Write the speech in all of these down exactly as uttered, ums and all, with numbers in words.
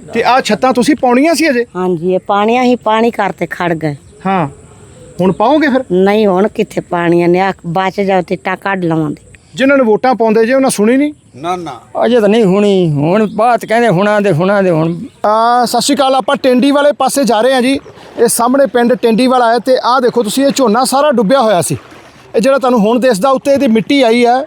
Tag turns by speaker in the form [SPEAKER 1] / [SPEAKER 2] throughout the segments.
[SPEAKER 1] ਤੇ ਆ ਛੱਤਾਂ ਤੁਸੀਂ ਪਾਉਣੀਆਂ ਸੀ ਅਜੇ?
[SPEAKER 2] ਹਾਂਜੀ, ਇਹ ਪਾਣੀਆਂ ਹੀ ਪਾਣੀ ਕਰਤੇ ਖੜ ਗਏ।
[SPEAKER 1] ਹਾਂ, ਹੁਣ ਪਾਓਗੇ ਫਿਰ?
[SPEAKER 2] ਨਹੀਂ, ਹੁਣ ਕਿੱਥੇ ਪਾਣੀਆਂ ਨੇ, ਆ ਬਚ ਜਾਓ ਤੇ ਟਾ ਕੱਢ ਲਵਾਂਗੇ।
[SPEAKER 1] ਜਿਨ੍ਹਾਂ ਨੂੰ ਵੋਟਾਂ ਪਾਉਂਦੇ ਜੇ ਉਹਨਾਂ ਸੁਣੀ ਨਹੀਂ?
[SPEAKER 3] ਨਾ ਨਾ
[SPEAKER 4] ਅਜੇ ਤਾਂ ਨਹੀਂ ਹੋਣੀ, ਹੁਣ ਬਾਤ ਕਹਿੰਦੇ ਹੁਣਾਂ ਦੇ ਹੁਣਾਂ ਦੇ ਹੁਣ।
[SPEAKER 1] ਆ ਸਤਿ ਸ਼੍ਰੀ ਅਕਾਲ, ਆਪਾਂ ਟੈਂਡੀ ਵਾਲੇ ਪਾਸੇ ਜਾ ਰਹੇ ਹਾਂ ਜੀ। ਇਹ ਸਾਹਮਣੇ ਪਿੰਡ ਟੈਂਡੀ ਵਾਲਾ ਹੈ ਤੇ ਆਹ ਦੇਖੋ ਤੁਸੀਂ, ਇਹ ਝੋਨਾ ਸਾਰਾ ਡੁੱਬਿਆ ਹੋਇਆ ਸੀ। ਇਹ ਜਿਹੜਾ ਤੁਹਾਨੂੰ ਹੁਣ ਦਿਸਦਾ ਉੱਤੇ ਇਹਦੀ ਮਿੱਟੀ ਆਈ ਹੈ,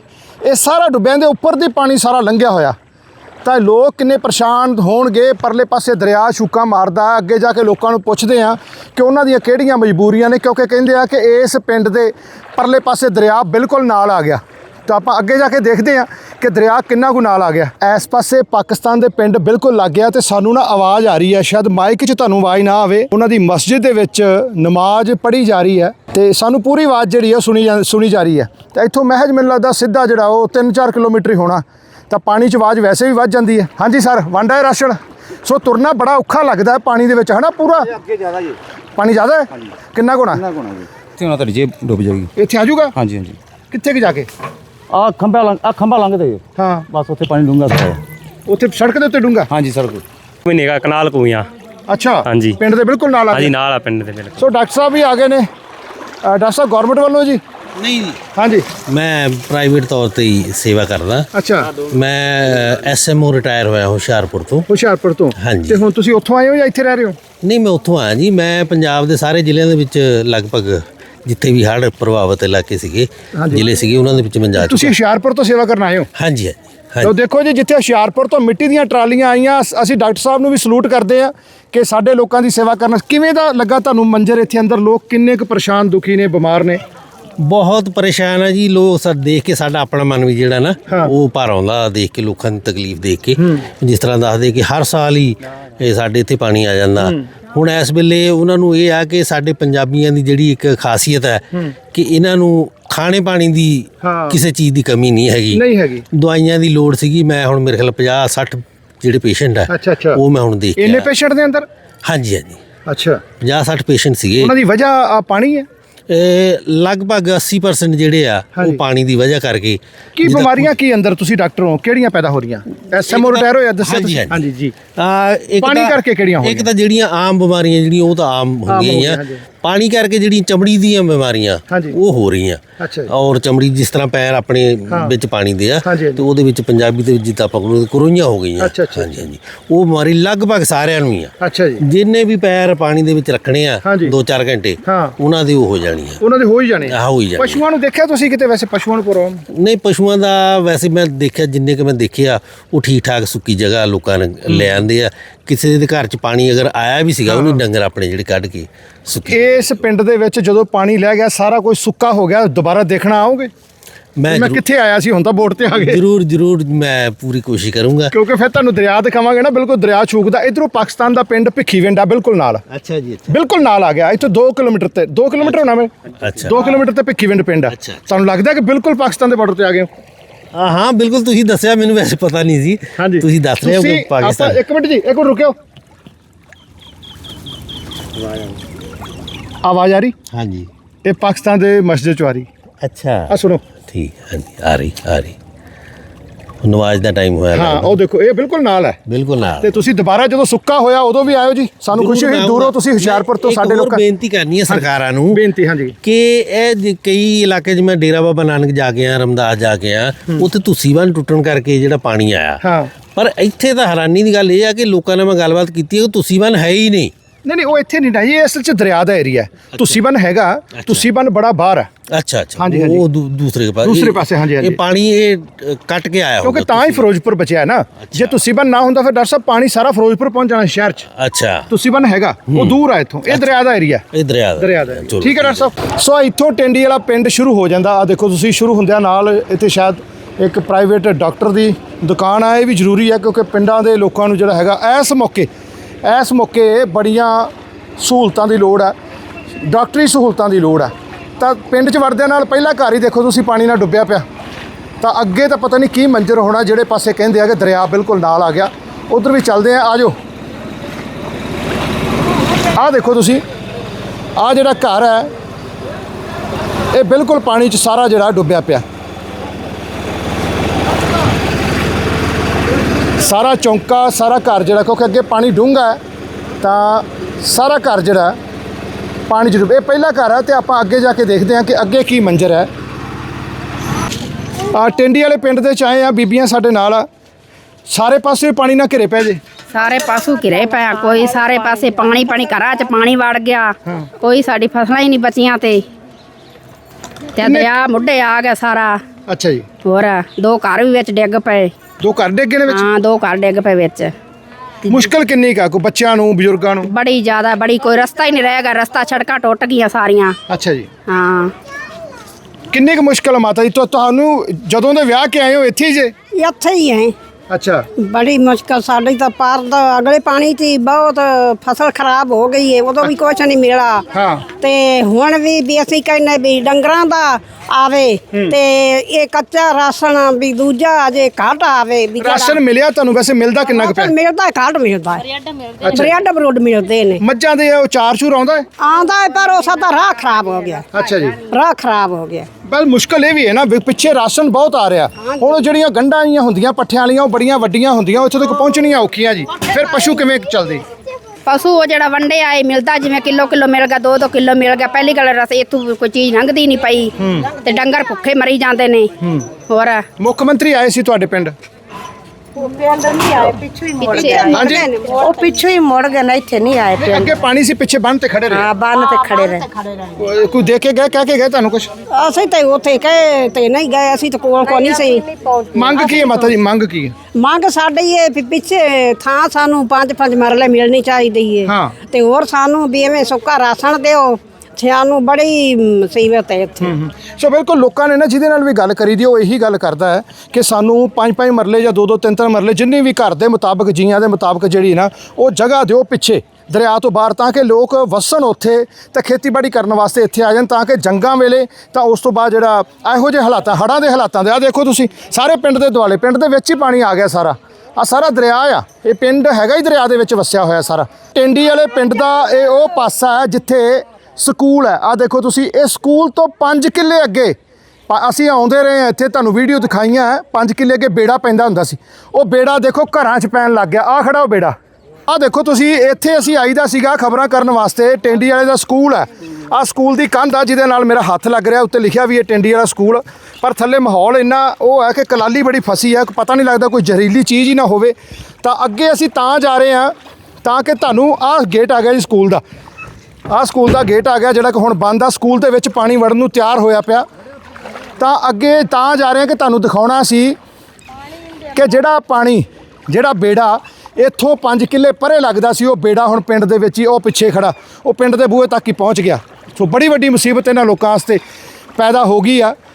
[SPEAKER 1] ਇਹ ਸਾਰਾ ਡੁੱਬਿਆ, ਦੇ ਉੱਪਰ ਦੀ ਪਾਣੀ ਸਾਰਾ ਲੰਘਿਆ ਹੋਇਆ। ਤਾਂ ਲੋਕ ਕਿੰਨੇ ਪਰੇਸ਼ਾਨ ਹੋਣਗੇ। ਪਰਲੇ ਪਾਸੇ ਦਰਿਆ ਛੂਕਾ ਮਾਰਦਾ। ਅੱਗੇ ਜਾ ਕੇ ਲੋਕਾਂ ਨੂੰ ਪੁੱਛਦੇ ਆ ਕਿ ਉਹਨਾਂ ਦੀਆਂ ਕਿਹੜੀਆਂ ਮਜਬੂਰੀਆਂ ਨੇ, ਕਿਉਂਕਿ ਕਹਿੰਦੇ ਆ ਕਿ ਇਸ ਪਿੰਡ ਦੇ ਪਰਲੇ ਪਾਸੇ ਦਰਿਆ ਬਿਲਕੁਲ ਨਾਲ ਆ ਗਿਆ। ਤਾਂ ਆਪਾਂ ਅੱਗੇ ਜਾ ਕੇ ਦੇਖਦੇ ਆ ਕਿ ਦਰਿਆ ਕਿੰਨਾ ਕੁ ਨਾਲ ਆ ਗਿਆ। ਇਸ ਪਾਸੇ ਪਾਕਿਸਤਾਨ ਦੇ ਪਿੰਡ ਬਿਲਕੁਲ ਲੱਗ ਗਿਆ ਤੇ ਸਾਨੂੰ ਨਾ ਆਵਾਜ਼ ਆ ਰਹੀ ਹੈ, ਸ਼ਾਇਦ ਮਾਈਕ 'ਚ ਤੁਹਾਨੂੰ ਆਵਾਜ਼ ਨਾ ਆਵੇ। ਉਹਨਾਂ ਦੀ ਮਸਜਿਦ ਦੇ ਵਿੱਚ ਨਮਾਜ਼ ਪੜ੍ਹੀ ਜਾ ਰਹੀ ਹੈ ਤੇ ਸਾਨੂੰ ਪੂਰੀ ਆਵਾਜ਼ ਜਿਹੜੀ ਹੈ ਸੁਣੀ ਜਾ ਸੁਣੀ ਜਾ ਰਹੀ ਹੈ। ਤਾਂ ਇੱਥੋਂ ਮਹਿਜ ਮੈਨੂੰ ਲੱਗਦਾ ਸਿੱਧਾ ਜਿਹੜਾ ਉਹ ਤਿੰਨ ਚਾਰ ਕਿਲੋਮੀਟਰ ਹੀ ਹੋਣਾ। ਤਾਂ ਪਾਣੀ 'ਚ ਆਵਾਜ਼ ਵੈਸੇ ਵੀ ਵੱਧ ਜਾਂਦੀ ਹੈ। ਹਾਂਜੀ ਸਰ, ਵਾਂਡਾ ਹੈ ਰਾਸ਼ਨ, ਸੋ ਤੁਰਨਾ ਬੜਾ ਔਖਾ ਲੱਗਦਾ ਪਾਣੀ ਦੇ ਵਿੱਚ, ਹੈ ਨਾ? ਪੂਰਾ
[SPEAKER 3] ਅੱਗੇ ਜ਼ਿਆਦਾ ਜੀ
[SPEAKER 1] ਪਾਣੀ ਜ਼ਿਆਦਾ ਹੈ? ਕਿੰਨਾ ਗੁਣਾ?
[SPEAKER 3] ਕਿੰਨਾ ਕੋਣਾ ਜੀ?
[SPEAKER 4] ਤੇ ਉਹਨਾਂ ਤੁਹਾਡੀ ਜੇਬ ਡੁੱਬ ਜਾਏਗੀ।
[SPEAKER 1] ਇੱਥੇ ਆ ਜਾਊਗਾ?
[SPEAKER 4] ਹਾਂਜੀ ਹਾਂਜੀ,
[SPEAKER 1] ਕਿੱਥੇ ਕਿ ਜਾ ਕੇ?
[SPEAKER 4] ਆ ਖੰਭਾ ਲੰਘ ਆ ਖੰਭਾ ਲੰਘਦੇ
[SPEAKER 1] ਹਾਂ,
[SPEAKER 4] ਬਸ ਉੱਥੇ ਪਾਣੀ ਡੂੰਘਾ ਹੈ।
[SPEAKER 1] ਉੱਥੇ ਸੜਕ ਦੇ ਉੱਤੇ ਡੂੰਗਾ?
[SPEAKER 4] ਹਾਂਜੀ ਸਰ,
[SPEAKER 5] ਮਹੀਨੇ ਦਾ ਕਨਾਲ ਕੂਈਆਂ।
[SPEAKER 1] ਅੱਛਾ,
[SPEAKER 5] ਹਾਂਜੀ,
[SPEAKER 1] ਪਿੰਡ ਦੇ ਬਿਲਕੁਲ ਨਾਲ ਆ
[SPEAKER 5] ਹਾਂਜੀ
[SPEAKER 1] ਗਏ।
[SPEAKER 5] ਨਾਲ ਆ ਪਿੰਡ ਦੇ ਬਿਲਕੁਲ।
[SPEAKER 1] ਸੋ ਡਾਕਟਰ ਸਾਹਿਬ ਵੀ ਆ ਗਏ ਨੇ। ਅ, ਡਾਕਟਰ ਸਾਹਿਬ ਗਵਰਨਮੈਂਟ ਵੱਲੋਂ ਜੀ?
[SPEAKER 6] ਨਹੀਂ ਜੀ,
[SPEAKER 1] ਹਾਂਜੀ।
[SPEAKER 6] ਮੈਂ ਪ੍ਰਾਈਵੇਟ ਤੌਰ ਤੇ ਹੀ ਸੇਵਾ ਕਰਦਾ।
[SPEAKER 1] ਅੱਛਾ,
[SPEAKER 6] ਮੈਂ ਐਸਐਮਓ ਰਿਟਾਇਰ ਹੋਇਆ ਹੁਸ਼ਿਆਰਪੁਰ ਤੋਂ।
[SPEAKER 1] ਹੁਸ਼ਿਆਰਪੁਰ ਤੋਂ?
[SPEAKER 6] ਹਾਂਜੀ।
[SPEAKER 1] ਤੇ ਹੁਣ ਤੁਸੀਂ ਉੱਥੋਂ ਆਏ ਹੋ ਜਾਂ ਇੱਥੇ ਰਹਿ ਰਹੇ ਹੋ?
[SPEAKER 6] ਨਹੀਂ, ਮੈਂ ਉੱਥੋਂ ਆਇਆ ਜੀ। ਮੈਂ ਪੰਜਾਬ ਦੇ ਸਾਰੇ ਜ਼ਿਲ੍ਹਿਆਂ ਦੇ ਵਿੱਚ ਲਗਭਗ ਜਿੱਥੇ ਵੀ ਹੜ੍ਹ ਪ੍ਰਭਾਵਿਤ ਇਲਾਕੇ ਸੀਗੇ, ਜ਼ਿਲ੍ਹੇ ਸੀਗੇ, ਉਹਨਾਂ ਦੇ ਵਿੱਚ ਮੈਂ ਜਾ
[SPEAKER 1] ਤੁਸੀਂ
[SPEAKER 6] ਚੁੱਕਾ।
[SPEAKER 1] ਹੁਸ਼ਿਆਰਪੁਰ ਤੋਂ ਸੇਵਾ ਕਰਨ ਆਏ ਹੋ?
[SPEAKER 6] ਹਾਂਜੀ ਹਾਂਜੀ
[SPEAKER 1] ਤੋ
[SPEAKER 6] ਹਾਂਜੀ।
[SPEAKER 1] ਦੇਖੋ ਜੀ, ਜਿੱਥੇ ਹੁਸ਼ਿਆਰਪੁਰ ਤੋਂ ਮਿੱਟੀ ਦੀਆਂ ਟਰਾਲੀਆਂ ਆਈਆਂ, ਅਸ- ਅਸੀਂ ਡਾਕਟਰ ਸਾਹਿਬ ਨੂੰ ਵੀ ਸਲੂਟ ਕਰਦੇ ਆ ਕਿ ਸਾਡੇ ਲੋਕਾਂ ਦੀ ਸੇਵਾ ਕਰਨਾ। ਕਿਵੇਂ ਦਾ ਲੱਗਾ ਤੁਹਾਨੂੰ ਮੰਜ਼ਰ ਇੱਥੇ ਅੰਦਰ? ਲੋਕ ਕਿੰਨੇ ਕੁ ਪਰੇਸ਼ਾਨ, ਦੁਖੀ ਨੇ, ਬਿਮਾਰ ਨੇ?
[SPEAKER 6] ਬਹੁਤ ਪਰੇਸ਼ਾਨ ਆ ਜੀ ਲੋਕ। ਸਰ ਦੇਖ ਕੇ ਸਾਡਾ ਆਪਣਾ ਮਨ ਵੀ ਜਿਹੜਾ ਨਾ
[SPEAKER 1] ਹਾਂ।
[SPEAKER 6] ਉਹ ਭਰ ਆਉਂਦਾ, ਦੇਖ ਕੇ ਲੋਕਾਂ ਦੀ ਤਕਲੀਫ ਦੇਖ ਕੇ। ਜਿਸ ਤਰ੍ਹਾਂ ਦੱਸਦੇ ਕਿ ਹਰ ਸਾਲ ਹੀ ਇਹ ਸਾਡੇ ਇੱਥੇ ਪਾਣੀ ਆ ਜਾਂਦਾ। ਹੁਣ ਇਸ ਵੇਲੇ ਉਹਨਾਂ ਨੂੰ ਇਹ ਆ ਕਿ ਸਾਡੇ ਪੰਜਾਬੀਆਂ ਦੀ ਜਿਹੜੀ ਇੱਕ ਖਾਸੀਅਤ ਹੈ ਕਿ ਇਹਨਾਂ ਨੂੰ ਖਾਣੇ ਪਾਣੀ ਦੀ
[SPEAKER 1] ਹਾਂ।
[SPEAKER 6] ਕਿਸੇ ਚੀਜ਼ ਦੀ ਕਮੀ ਨਹੀਂ ਹੈਗੀ।
[SPEAKER 1] ਨਹੀਂ ਹੈਗੀ।
[SPEAKER 6] ਦਵਾਈਆਂ ਦੀ ਲੋੜ ਸੀਗੀ। ਮੈਂ ਹੁਣ ਮੇਰੇ ਖਿਆਲ ਪੰਜਾਹ ਸੱਠ ਜਿਹੜੇ ਪੇਸ਼ੈਂਟ ਆ
[SPEAKER 1] ਅੱਛਾ ਅੱਛਾ,
[SPEAKER 6] ਉਹ ਮੈਂ ਹੁਣ ਦੇਖ ਕੇ
[SPEAKER 1] ਇੰਨੇ
[SPEAKER 6] ਆਇਆ।
[SPEAKER 1] ਪੇਸ਼ੈਂਟ ਦੇ ਅੰਦਰ?
[SPEAKER 6] ਹਾਂਜੀ ਹਾਂਜੀ,
[SPEAKER 1] ਅੱਛਾ,
[SPEAKER 6] ਪੰਜਾਹ ਸੱਠ ਪੇਸ਼ੈਂਟ ਸੀਗੇ।
[SPEAKER 1] ਉਹਨਾਂ ਦੀ ਵਜ੍ਹਾ ਆ ਪਾਣੀ ਹੈ?
[SPEAKER 6] ਇਹ ਲਗਭਗ ਅੱਸੀ ਪਰਸੈਂਟ ਜਿਹੜੇ ਆ ਉਹ
[SPEAKER 1] ਹਾਂਜੀ।
[SPEAKER 6] ਪਾਣੀ ਦੀ ਵਜ੍ਹਾ ਕਰਕੇ।
[SPEAKER 1] ਕੀ
[SPEAKER 6] ਜਿੱਦਾਂ
[SPEAKER 1] ਬਿਮਾਰੀਆਂ ਕੀ ਅੰਦਰ, ਤੁਸੀਂ ਡਾਕਟਰ ਹੋ, ਕਿਹੜੀਆਂ ਪੈਦਾ ਹੋ ਰਹੀਆਂ? ਐਸਐਮਓ ਰਿਟਾਇਰ ਹੋਇਆ ਦੱਸਿਆ
[SPEAKER 6] ਹਾਂਜੀ,
[SPEAKER 1] ਤੁਸੀਂ? ਹਾਂਜੀ ਜੀ।
[SPEAKER 6] ਆ ਇੱਕ
[SPEAKER 1] ਪਾਣੀ
[SPEAKER 6] ਤਾਂ-
[SPEAKER 1] ਕਰਕੇ ਕਿਹੜੀਆਂ ਹੋ
[SPEAKER 6] ਇੱਕ
[SPEAKER 1] ਰਹੀਆਂ?
[SPEAKER 6] ਤਾਂ ਜਿਹੜੀਆਂ ਆਮ ਬਿਮਾਰੀਆਂ ਜਿਹੜੀਆਂ ਉਹ ਤਾਂ ਆਮ ਹੋ
[SPEAKER 1] ਆਮ ਹੋ
[SPEAKER 6] ਗਈਆਂ
[SPEAKER 1] ਗਈਆਂ,
[SPEAKER 6] ਆ।
[SPEAKER 1] ਹਾਂਜੀ।
[SPEAKER 6] ਪਾਣੀ ਕਰਕੇ ਜਿਹੜੀਆਂ ਚਮੜੀ ਦੀਆਂ ਬਿਮਾਰੀਆਂ
[SPEAKER 1] ਹਾਂਜੀ।
[SPEAKER 6] ਉਹ ਹੋ ਰਹੀਆਂ।
[SPEAKER 1] ਅੱਛਾ ਜੀ।
[SPEAKER 6] ਔਰ ਚਮੜੀ ਜਿਸ ਤਰ੍ਹਾਂ ਪੈਰ ਆਪਣੇ
[SPEAKER 1] ਹਾਂ।
[SPEAKER 6] ਵਿੱਚ ਪਾਣੀ ਦੇ ਆ
[SPEAKER 1] ਹਾਂਜੀ, ਹਾਂਜੀ।
[SPEAKER 6] ਤੇ ਉਹਦੇ ਵਿੱਚ ਪੰਜਾਬੀ ਦੇ ਵਿੱਚ ਜਿੱਦਾਂ ਪਕੜੋ ਕਰੋਈਆਂ ਹੋ ਗਈਆਂ।
[SPEAKER 1] ਅੱਛਾ, ਅੱਛਾ।
[SPEAKER 6] ਹਾਂਜੀ ਹਾਂਜੀ, ਉਹ ਬਿਮਾਰੀ ਲਗਭਗ ਸਾਰਿਆਂ ਨੂੰ ਹੀ ਆ।
[SPEAKER 1] ਅੱਛਾ ਜੀ।
[SPEAKER 6] ਜਿੰਨੇ ਵੀ ਪੈਰ ਪਾਣੀ ਦੇ ਵਿੱਚ ਰੱਖਣੇ ਆ
[SPEAKER 1] ਹਾਂਜੀ।
[SPEAKER 6] ਦੋ ਚਾਰ ਘੰਟੇ,
[SPEAKER 1] ਹਾਂ।
[SPEAKER 6] ਉਹਨਾਂ ਦੇ ਉਹ ਹੋ ਜਾਣੀ ਆ।
[SPEAKER 1] ਉਹਨਾਂ ਦੇ ਹੋ ਹੀ ਜਾਣੇ?
[SPEAKER 6] ਆਹ ਹੋ ਹੀ ਜਾਣੀ ਆ।
[SPEAKER 1] ਪਸ਼ੂਆਂ ਨੂੰ ਦੇਖਿਆ ਤੁਸੀਂ ਕਿਤੇ? ਵੈਸੇ ਪਸ਼ੂਆਂ ਨੂੰ ਪ੍ਰੋਬਲਮ?
[SPEAKER 6] ਨਹੀਂ, ਪਸ਼ੂਆਂ ਦਾ ਵੈਸੇ ਮੈਂ ਦੇਖਿਆ, ਜਿੰਨੇ ਕਿ ਮੈਂ ਦੇਖਿਆ ਉਹ ਠੀਕ ਠਾਕ ਸੁੱਕੀ ਜਗ੍ਹਾ ਲੋਕਾਂ ਨੇ ਲੈ ਆਂਦੇ ਆ। ਕਿਸੇ ਦੇ ਘਰ 'ਚ ਪਾਣੀ ਅਗਰ ਆਇਆ ਵੀ ਸੀਗਾ, ਉਹਨੂੰ ਡੰਗਰ ਆਪਣੇ ਜਿਹੜੇ ਕੱਢ ਕੇ ਸੁੱਕੀ।
[SPEAKER 1] ਇਸ ਪਿੰਡ ਦੇ ਵਿੱਚ ਜਦੋਂ ਪਾਣੀ ਲੈ ਗਿਆ, ਸਾਰਾ ਕੁਝ ਸੁੱਕਾ ਹੋ ਗਿਆ, ਦੁਬਾਰਾ ਦੇਖਣਾ ਆਓਗੇ?
[SPEAKER 6] ਮੈਂ
[SPEAKER 1] ਮੈਂ
[SPEAKER 6] ਜ਼ਰੂਰ-
[SPEAKER 1] ਕਿੱਥੇ ਆਇਆ ਸੀ, ਹੁਣ ਤਾਂ ਬੋਟ ਤੇ ਆ ਗਏ।
[SPEAKER 6] ਜ਼ਰੂਰ ਜ਼ਰੂਰ ਮੈਂ ਪੂਰੀ ਕੋਸ਼ਿਸ਼ ਕਰੂੰਗਾ।
[SPEAKER 1] ਕਿਉਂਕਿ ਫਿਰ ਤੁਹਾਨੂੰ ਦਰਿਆ ਦਿਖਾਵਾਂਗੇ ਨਾ, ਬਿਲਕੁਲ ਦਰਿਆ ਛੂਕਦਾ। ਇਧਰੋਂ ਪਾਕਿਸਤਾਨ ਦਾ ਪਿੰਡ ਭਿੱਖੀਵਿੰਡ ਆ, ਬਿਲਕੁਲ ਨਾਲ।
[SPEAKER 6] ਅੱਛਾ ਜੀ, ਅੱਛਾ
[SPEAKER 1] ਬਿਲਕੁਲ ਨਾਲ ਆ ਗਿਆ। ਇੱਥੋਂ ਦੋ ਕਿਲੋਮੀਟਰ ਤੇ ਦੋ ਕਿਲੋਮੀਟਰ ਹੋਣਾ ਮੈਂ
[SPEAKER 6] ਅੱਛਾ।
[SPEAKER 1] ਦੋ ਕਿਲੋਮੀਟਰ ਤੇ ਭਿੱਖੀਵਿੰਡ ਪਿੰਡ ਆ।
[SPEAKER 6] ਅੱਛਾ।
[SPEAKER 1] ਤੁਹਾਨੂੰ ਲੱਗਦਾ ਕਿ ਬਿਲਕੁਲ ਪਾਕਿਸਤਾਨ ਦੇ ਬਾਰਡਰ ਤੇ ਆ ਗਏ ਹੋ?
[SPEAKER 6] ਹਾਂ ਹਾਂ, ਬਿਲਕੁਲ। ਤੁਸੀਂ ਦੱਸਿਆ, ਮੈਨੂੰ ਵੈਸੇ ਪਤਾ ਨਹੀਂ ਸੀ।
[SPEAKER 1] ਹਾਂਜੀ,
[SPEAKER 6] ਤੁਸੀਂ ਦੱਸ ਰਹੇ ਹੋ ਕਿ
[SPEAKER 1] ਤੁਸੀਂ-
[SPEAKER 6] ਪਾਕਿਸਤਾਨ।
[SPEAKER 1] ਆਪਾਂ ਇੱਕ ਮਿੰਟ ਜੀ, ਇੱਕ ਮਿੰਟ ਰੁਕਿਓ। ਆਵਾਜ਼ ਆ ਰਹੀ?
[SPEAKER 6] ਹਾਂਜੀ,
[SPEAKER 1] ਇਹ ਪਾਕਿਸਤਾਨ ਦੇ ਮਸਜਿਦ ਚੋਂ ਆ ਰਹੀ।
[SPEAKER 6] ਅੱਛਾ
[SPEAKER 1] ਆ ਸੁਣੋ।
[SPEAKER 6] ਠੀਕ, ਹਾਂਜੀ, ਆ ਰਹੀ ਆ ਰਹੀ। ਨਮਾਜ਼ ਦਾ ਟਾਈਮ ਹੋਇਆ
[SPEAKER 1] ਹਾਂ,
[SPEAKER 6] ਲੱਗਦਾ।
[SPEAKER 1] ਉਹ ਦੇਖੋ, ਇਹ ਬਿਲਕੁਲ ਨਾਲ ਹੈ।
[SPEAKER 6] ਬਿਲਕੁਲ ਨਾਲ।
[SPEAKER 1] ਤੇ ਤੁਸੀਂ ਦੁਬਾਰਾ ਜਦੋਂ ਸੁੱਕਾ ਹੋਇਆ ਉਦੋਂ ਵੀ ਆਇਓ ਜੀ, ਸਾਨੂੰ ਖੁਸ਼ੀ ਹੋਈ। ਦੂਰੋਂ ਤੁਸੀਂ ਹੁਸ਼ਿਆਰਪੁਰ ਤੋਂ ਸਾਡੇ ਲੋਕਾਂ।
[SPEAKER 6] ਬੇਨਤੀ ਕਰਨੀ ਹੈ ਸਰਕਾਰਾਂ ਨੂੰ।
[SPEAKER 1] ਬੇਨਤੀ, ਹਾਂਜੀ।
[SPEAKER 6] ਕਿ ਇਹ ਜ- ਕਈ ਇਲਾਕੇ 'ਚ ਮੈਂ ਡੇਰਾ ਬਾਬਾ ਨਾਨਕ ਜਾ ਕੇ ਆ, ਰਮਦਾਸ ਜਾ ਕੇ ਆ, ਉੱਥੇ ਤੁਸੀਂ ਬੰਨ ਟੁੱਟਣ ਕਰਕੇ ਜਿਹੜਾ ਪਾਣੀ ਆਇਆ।
[SPEAKER 1] ਹਾਂ।
[SPEAKER 6] ਪਰ ਇੱਥੇ ਤਾਂ ਹੈਰਾਨੀ ਦੀ ਗੱਲ ਇਹ ਆ ਕਿ ਲੋਕਾਂ ਨਾਲ ਮੈਂ ਗੱਲਬਾਤ ਕੀਤੀ ਹੈ ਕਿ ਤੁਸੀਂ ਬੰਨ ਹੈ ਹੀ ਨਹੀਂ।
[SPEAKER 1] ਨਹੀਂ ਨਹੀਂ, ਉਹ ਇੱਥੇ ਨਹੀਂ ਨਾ, ਇਹ ਅਸਲ 'ਚ ਦਰਿਆ ਦਾ ਏਰੀਆ ਹੈ। ਤੁਸੀਂ ਬੰਨ ਹੈਗਾ, ਤੁਸੀਂ ਬੰਨ ਬੜਾ ਬਾਹਰ ਹੈ।
[SPEAKER 6] ਅੱਛਾ ਅੱਛਾ,
[SPEAKER 1] ਹਾਂਜੀ, ਹਾਂਜੀ।
[SPEAKER 6] ਉਹ ਦੂ- ਦੂਸਰੇ ਪਾਸੇ
[SPEAKER 1] ਦੂਸਰੇ ਪਾਸੇ, ਹਾਂਜੀ, ਹਾਂਜੀ।
[SPEAKER 6] ਇਹ ਪਾਣੀ ਇਹ ਅ, ਕੱਟ ਕੇ ਆਇਆ
[SPEAKER 1] ਕਿਉਂਕਿ
[SPEAKER 6] ਹੋਊਗਾ
[SPEAKER 1] ਤਾਂ ਹੀ
[SPEAKER 6] ਤੁਸੀਂ।
[SPEAKER 1] ਫਿਰੋਜ਼ਪੁਰ ਬਚਿਆ ਹੈ ਨਾ। ਜੇ ਤੁਸੀਂ ਬੰਨ ਨਾ ਹੁੰਦਾ ਫਿਰ ਡਾਕਟਰ ਸਾਹਿਬ ਪਾਣੀ ਸਾਰਾ ਫਿਰੋਜ਼ਪੁਰ ਪਹੁੰਚ ਜਾਣਾ ਸ਼ਹਿਰ 'ਚ।
[SPEAKER 6] ਅੱਛਾ,
[SPEAKER 1] ਤੁਸੀਂ ਬੰਨ ਹੈਗਾ, ਉਹ ਦੂਰ ਆ ਇੱਥੋਂ। ਇਹ ਦਰਿਆ ਦਾ ਏਰੀਆ।
[SPEAKER 6] ਇਹ ਦਰਿਆ ਦਾ
[SPEAKER 1] ਦਰਿਆ ਦਾ
[SPEAKER 6] ਚਲੋ,
[SPEAKER 1] ਠੀਕ ਹੈ ਡਾਕਟਰ ਸਾਹਿਬ। ਸੋ ਇੱਥੋਂ ਟੈਂਡੀ ਵਾਲਾ ਪਿੰਡ ਸ਼ੁਰੂ ਹੋ ਜਾਂਦਾ। ਆ ਦੇਖੋ ਤੁਸੀਂ, ਸ਼ੁਰੂ ਹੁੰਦਿਆਂ ਨਾਲ ਇੱਥੇ ਸ਼ਾਇਦ ਇੱਕ ਪ੍ਰਾਈਵੇਟ ਡਾਕਟਰ ਦੀ ਦੁਕਾਨ ਆ। ਇਹ ਵੀ ਜ਼ਰੂਰੀ ਹੈ ਕਿਉਂਕਿ ਪਿੰਡਾਂ ਦੇ ਲੋਕਾਂ ਨੂੰ ਜਿਹੜਾ ਹੈਗਾ ਇਸ ਮੌਕੇ ਇਸ ਮੌਕੇ ਬੜੀਆਂ ਸਹੂਲਤਾਂ ਦੀ ਲੋੜ ਹੈ, ਡਾਕਟਰੀ ਸਹੂਲਤਾਂ ਦੀ ਲੋੜ ਹੈ। ਤਾਂ ਪਿੰਡ 'ਚ ਵੜਦਿਆਂ ਨਾਲ ਪਹਿਲਾ ਘਰ ਹੀ ਦੇਖੋ ਤੁਸੀਂ ਪਾਣੀ ਨਾਲ ਡੁੱਬਿਆ ਪਿਆ। ਤਾਂ ਅੱਗੇ ਤਾਂ ਪਤਾ ਨਹੀਂ ਕੀ ਮੰਜ਼ਰ ਹੋਣਾ। ਜਿਹੜੇ ਪਾਸੇ ਕਹਿੰਦੇ ਆ ਕਿ ਦਰਿਆ ਬਿਲਕੁਲ ਨਾਲ ਆ ਗਿਆ, ਉਧਰ ਵੀ ਚੱਲਦੇ ਆ। ਆ ਜਾਓ, ਆਹ ਦੇਖੋ ਤੁਸੀਂ, ਆਹ ਜਿਹੜਾ ਘਰ ਹੈ ਇਹ ਬਿਲਕੁਲ ਪਾਣੀ 'ਚ ਸਾਰਾ ਜਿਹੜਾ ਡੁੱਬਿਆ ਪਿਆ। ਸਾਰਾ ਚੌਂਕਾ ਸਾਰਾ ਘਰ ਜਿਹੜਾ, ਕਿਉਂਕਿ ਅੱਗੇ ਪਾਣੀ ਡੂੰਘਾ ਹੈ ਤਾਂ ਸਾਰਾ ਘਰ ਜਿਹੜਾ ਪਾਣੀ 'ਚ ਡੁੱਬੇ। ਇਹ ਪਹਿਲਾ ਘਰ ਹੈ ਤੇ ਆਪਾਂ ਅੱਗੇ ਜਾ ਕੇ ਦੇਖਦੇ ਹਾਂ ਕਿ ਅੱਗੇ ਕੀ ਮੰਜ਼ਰ ਹੈ। ਆ ਟਿੰਡੀ ਵਾਲੇ ਪਿੰਡ ਦੇ 'ਚ ਆਏ ਆ, ਬੀਬੀਆਂ ਸਾਡੇ ਨਾਲ ਆ। ਸਾਰੇ ਪਾਸੇ ਪਾਣੀ ਨਾਲ ਘਿਰੇ ਪਏ ਜੇ।
[SPEAKER 3] ਸਾਰੇ ਪਾਸੋਂ ਘਿਰੇ ਪਿਆ, ਕੋਈ ਸਾਰੇ ਪਾਸੇ ਪਾਣੀ ਪਾਣੀ, ਘਰਾਂ 'ਚ ਪਾਣੀ ਵੜ ਗਿਆ, ਕੋਈ ਸਾਡੀ ਫਸਲਾਂ ਹੀ ਨਹੀਂ ਬਚੀਆਂ ਤੇ ਤੇ ਦਰਿਆ ਮੁੱਢੇ ਆ ਗਿਆ ਸਾਰਾ।
[SPEAKER 1] ਅੱਛਾ ਜੀ,
[SPEAKER 3] ਹੋਰ ਦੋ ਘਰ ਵੀ ਵਿੱਚ ਡਿੱਗ ਪਏ।
[SPEAKER 1] ਦੋ ਘਰ ਡਿੱਗੇ ਨੇ ਵਿੱਚ।
[SPEAKER 3] ਹਾਂ, ਦੋ ਘਰ ਡਿੱਗ ਪਏ ਵਿੱਚ।
[SPEAKER 1] ਮੁਸ਼ਕਲ ਕਿੰਨੀ ਕਾ, ਕੋਈ ਬੱਚਿਆਂ ਨੂੰ, ਬਜ਼ੁਰਗਾਂ ਨੂੰ?
[SPEAKER 3] ਬੜੀ ਜ਼ਿਆਦਾ, ਬੜੀ, ਕੋਈ ਰਸਤਾ ਹੀ ਨਹੀਂ ਰਹਿ ਗਿਆ, ਰਸਤਾ ਸੜਕਾਂ ਟੁੱਟ ਗਈਆਂ ਸਾਰੀਆਂ।
[SPEAKER 1] ਅੱਛਾ ਜੀ,
[SPEAKER 3] ਹਾਂ।
[SPEAKER 1] ਕਿੰਨੀ ਕੁ ਮੁਸ਼ਕਲ ਆ ਮਾਤਾ ਜੀ? ਤੁ- ਤੁਹਾਨੂੰ ਜਦੋਂ ਦੇ ਵਿਆਹ ਕੇ ਆਏ ਹੋ ਇੱਥੇ ਹੀ ਜੇ?
[SPEAKER 7] ਇੱਥੇ ਹੀ ਹੈ।
[SPEAKER 1] ਅੱਛਾ,
[SPEAKER 7] ਬੜੀ ਮੁਸ਼ਕਲ ਸਾਡੀ ਤਾਂ ਪਾਰ ਦਾ ਅਗਲੇ ਪਾਣੀ 'ਚ ਹੀ ਬਹੁਤ ਫਸਲ ਖਰਾਬ ਹੋ ਗਈ ਹੈ, ਉਦੋਂ ਵੀ ਕੁਛ ਨਹੀਂ ਮਿਲਿਆ।
[SPEAKER 1] ਹਾਂ।
[SPEAKER 7] ਤੇ ਹੁਣ ਵੀ ਵੀ ਅਸੀਂ ਕਹਿੰਦੇ ਵੀ ਡੰਗਰਾਂ ਦਾ ਆਵੇ ਤੇ ਇਹ ਕੱਚਾ ਰਾਸ਼ਨ ਵੀ ਦੂਜਾ ਅਜੇ ਘੱਟ ਆਵੇ ਵੀ ਜਿਹੜਾ-
[SPEAKER 1] ਰਾਸ਼ਨ ਮਿਲਿਆ ਤੁਹਾਨੂੰ? ਵੈਸੇ ਮਿਲਦਾ ਕਿੰਨਾ ਕੁ ਪਿਆ?
[SPEAKER 7] ਰਾਸ਼ਨ ਮਿਲਦਾ ਘੱਟ ਮਿਲਦਾ ਹੈ। ਬ੍ਰੈਡ ਬਰੂਡ ਮਿਲਦੇ ਨੇ।
[SPEAKER 1] ਮੱਝਾਂ ਦੇ ਉਹ ਚਾਰ ਚੂਰ ਆਉਂਦਾ ਹੈ?
[SPEAKER 7] ਆਉਂਦਾ ਹੈ ਪਰ ਉਹ ਸਾਡਾ ਰਾਹ ਖਰਾਬ ਹੋ ਗਿਆ।
[SPEAKER 1] ਅੱਛਾ ਜੀ,
[SPEAKER 7] ਰਾਹ ਖਰਾਬ ਹੋ ਗਿਆ।
[SPEAKER 1] ਬਲ ਮੁਸ਼ਕਲ ਇਹ ਵੀ ਹੈ ਨਾ ਵੀ ਪਿੱਛੇ ਰਾਸ਼ਨ ਬਹੁਤ ਆ ਰਿਹਾ। ਹੁਣ ਉਹ ਜਿਹੜੀਆਂ ਗੰਢਾਂ ਆਈਆਂ ਹੁੰਦੀਆਂ ਪੱਠਿਆਂ ਵਾਲੀਆਂ, ਉਹ ਬੜੀਆਂ ਵੱਡੀਆਂ ਹੁੰਦੀਆਂ, ਉੱਥੋਂ ਤੱਕ ਪਹੁੰਚਣੀਆਂ ਔਖੀਆਂ ਜੀ। ਫਿਰ ਪਸ਼ੂ ਕਿਵੇਂ ਚੱਲਦੇ?
[SPEAKER 3] ਪਸ਼ੂ ਉਹ ਜਿਹੜਾ ਵੰਡੇ ਆਏ ਮਿਲਦਾ, ਜਿਵੇਂ ਕਿਲੋ ਕਿਲੋ ਮਿਲ ਗਿਆ, ਦੋ ਦੋ ਕਿਲੋ ਮਿਲ ਗਿਆ। ਪਹਿਲੀ ਗੱਲ ਰਸ ਇੱਥੋਂ ਕੋਈ ਚੀਜ਼ ਲੰਘਦੀ ਨਹੀਂ ਪਈ ਤੇ ਡੰਗਰ ਭੁੱਖੇ ਮਰੀ ਜਾਂਦੇ ਨੇ। ਹੋਰ
[SPEAKER 1] ਮੁੱਖ ਮੰਤਰੀ ਆਏ ਸੀ ਤੁਹਾਡੇ ਪਿੰਡ?
[SPEAKER 3] ਪਿੱਛੇ
[SPEAKER 1] ਹਾਂਜੀ,
[SPEAKER 2] ਉਹ ਪਿੱਛੋਂ ਹੀ ਮੁੜ ਗਏ ਨਾ, ਇੱਥੇ ਨਹੀਂ ਆਏ ਪਿੰਡ।
[SPEAKER 1] ਅੱਗੇ ਪਾਣੀ ਸੀ, ਪਿੱਛੇ ਬੰਨ ਤੇ ਖੜੇ ਰਹੇ।
[SPEAKER 2] ਹਾਂ, ਬੰਨ ਤੇ ਖੜੇ ਰਹੇ।
[SPEAKER 1] ਕੋਈ- ਕੋਈ ਦੇ ਕੇ ਗਏ, ਕਹਿ ਕੇ ਗਏ ਤੁਹਾਨੂੰ ਕੁਝ?
[SPEAKER 7] ਅਸੀਂ ਤੇ ਉੱਥੇ ਕਹੇ ਤੇ ਨਹੀਂ ਗਏ, ਅਸੀਂ ਤਾਂ ਕੋਲ ਕੋ ਨਹੀਂ ਸੀ।
[SPEAKER 1] ਮੰਗ ਕੀ ਹੈ ਮਾਤਾ ਜੀ, ਮੰਗ ਕੀ ਹੈ?
[SPEAKER 7] ਮੰਗ ਸਾਡੀ ਇਹ ਵੀ ਪਿੱਛੇ ਥਾਂ ਸਾਨੂੰ ਪੰਜ ਪੰਜ ਮਰਲੇ ਮਿਲਣੀ ਚਾਹੀਦੀ ਹੈ।
[SPEAKER 1] ਹਾਂ।
[SPEAKER 7] ਤੇ ਹੋਰ ਸਾਨੂੰ ਵੀ ਐਵੇਂ ਸੁੱਕਾ ਰਾਸ਼ਨ ਦਿਓ, ਸਾਨੂੰ ਬੜੀ ਮੁਸੀਬਤ ਹੈ ਇੱਥੇ।
[SPEAKER 1] ਸੋ ਬਿਲਕੁਲ ਲੋਕਾਂ ਨੇ ਨਾ ਜਿਹਦੇ ਨਾਲ ਵੀ ਗੱਲ ਕਰੀ ਦੀ ਉਹ ਇਹੀ ਗੱਲ ਕਰਦਾ ਹੈ ਕਿ ਸਾਨੂੰ ਪੰਜ ਪੰਜ ਮਰਲੇ ਜਾਂ ਦੋ ਦੋ ਤਿੰਨ ਤਿੰਨ ਮਰਲੇ, ਜਿੰਨੀ ਵੀ ਘਰ ਦੇ ਮੁਤਾਬਕ, ਜੀਆਂ ਦੇ ਮੁਤਾਬਕ ਜਿਹੜੀ ਨਾ ਉਹ ਜਗ੍ਹਾ ਦਿਓ ਪਿੱਛੇ ਦਰਿਆ ਤੋਂ ਬਾਹਰ, ਤਾਂ ਕਿ ਲੋਕ ਵਸਣ ਉੱਥੇ ਤੇ ਖੇਤੀਬਾੜੀ ਕਰਨ ਵਾਸਤੇ ਇੱਥੇ ਆ ਜਾਣ, ਤਾਂ ਕਿ ਜੰਗਾਂ ਵੇਲੇ ਤਾਂ ਉਸ ਤੋਂ ਬਾਅਦ ਜਿਹੜਾ ਇਹੋ ਜਿਹੇ ਹਾਲਾਤਾਂ, ਹੜ੍ਹਾਂ ਦੇ ਹਾਲਾਤਾਂ ਦੇ, ਆ ਦੇਖੋ ਤੁਸੀਂ ਸਾਰੇ ਪਿੰਡ ਦੇ ਦੁਆਲੇ, ਪਿੰਡ ਦੇ ਵਿੱਚ ਹੀ ਪਾਣੀ ਆ ਗਿਆ ਸਾਰਾ। ਆ ਸਾਰਾ ਦਰਿਆ ਆ, ਇਹ ਪਿੰਡ ਹੈਗਾ ਹੀ ਦਰਿਆ ਦੇ ਵਿੱਚ ਵਸਿਆ ਹੋਇਆ ਸਾਰਾ। ਟਿੰਡੀ ਵਾਲੇ ਪਿੰਡ ਦਾ ਇਹ ਉਹ ਪਾਸਾ ਹੈ ਜਿੱਥੇ ਸਕੂਲ ਹੈ। ਆ ਦੇਖੋ ਤੁਸੀਂ, ਇਹ ਸਕੂਲ ਤੋਂ ਪੰਜ ਕਿੱਲੇ ਅੱਗੇ ਪ- ਅਸੀਂ ਆਉਂਦੇ ਰਹੇ ਹਾਂ ਇੱਥੇ, ਤੁਹਾਨੂੰ ਵੀਡੀਓ ਦਿਖਾਈਆਂ ਹੈ। ਪੰਜ ਕਿੱਲੇ ਅੱਗੇ ਬੇੜਾ ਪੈਂਦਾ ਹੁੰਦਾ ਸੀ, ਉਹ ਬੇੜਾ ਦੇਖੋ ਘਰਾਂ 'ਚ ਪੈਣ ਲੱਗ ਗਿਆ। ਆ ਖੜਾ ਉਹ ਬੇੜਾ, ਆ ਦੇਖੋ ਤੁਸੀਂ। ਇੱਥੇ ਅਸੀਂ ਆਈਦਾ ਸੀਗਾ ਖਬਰਾਂ ਕਰਨ ਵਾਸਤੇ। ਟਿੰਡੀ ਵਾਲੇ ਦਾ ਸਕੂਲ ਹੈ, ਆ ਸਕੂਲ ਦੀ ਕੰਧ ਆ ਜਿਹਦੇ ਨਾਲ ਮੇਰਾ ਹੱਥ ਲੱਗ ਰਿਹਾ, ਉੱਤੇ ਲਿਖਿਆ ਵੀ ਹੈ ਟਿੰਡੀ ਵਾਲਾ ਸਕੂਲ। ਪਰ ਥੱਲੇ ਮਾਹੌਲ ਇੰਨਾ ਉਹ ਹੈ ਕਿ ਕਲਾਲੀ ਬੜੀ ਫਸੀ ਹੈ, ਪਤਾ ਨਹੀਂ ਲੱਗਦਾ ਕੋਈ ਜ਼ਹਿਰੀਲੀ ਚੀਜ਼ ਹੀ ਨਾ ਹੋਵੇ। ਤਾਂ ਅੱਗੇ ਅਸੀਂ ਤਾਂ ਜਾ ਰਹੇ ਹਾਂ ਤਾਂ ਕਿ ਤੁਹਾਨੂੰ ਆਹ ਗੇਟ ਆ ਗਿਆ ਜੀ ਸਕੂਲ ਦਾ। ਆਹ ਸਕੂਲ ਦਾ ਗੇਟ ਆ ਗਿਆ ਜਿਹੜਾ ਕਿ ਹੁਣ ਬੰਦ ਆ। ਸਕੂਲ ਦੇ ਵਿੱਚ ਪਾਣੀ ਵੜਨ ਨੂੰ ਤਿਆਰ ਹੋਇਆ ਪਿਆ। ਤਾਂ ਅੱਗੇ ਤਾਂ ਜਾ ਰਹੇ ਹਾਂ ਕਿ ਤੁਹਾਨੂੰ ਦਿਖਾਉਣਾ ਸੀ ਕਿ ਜਿਹੜਾ ਪਾਣੀ, ਜਿਹੜਾ ਬੇੜਾ ਇੱਥੋਂ ਪੰਜ ਕਿੱਲੇ ਪਰੇ ਲੱਗਦਾ ਸੀ, ਉਹ ਬੇੜਾ ਹੁਣ ਪਿੰਡ ਦੇ ਵਿੱਚ ਹੀ, ਉਹ ਪਿੱਛੇ ਖੜਾ, ਉਹ ਪਿੰਡ ਦੇ ਬੂਹੇ ਤੱਕ ਹੀ ਪਹੁੰਚ ਗਿਆ। ਸੋ ਬੜੀ ਵੱਡੀ ਮੁਸੀਬਤ ਇਹਨਾਂ ਲੋਕਾਂ ਵਾਸਤੇ ਪੈਦਾ ਹੋ ਗਈ ਆ।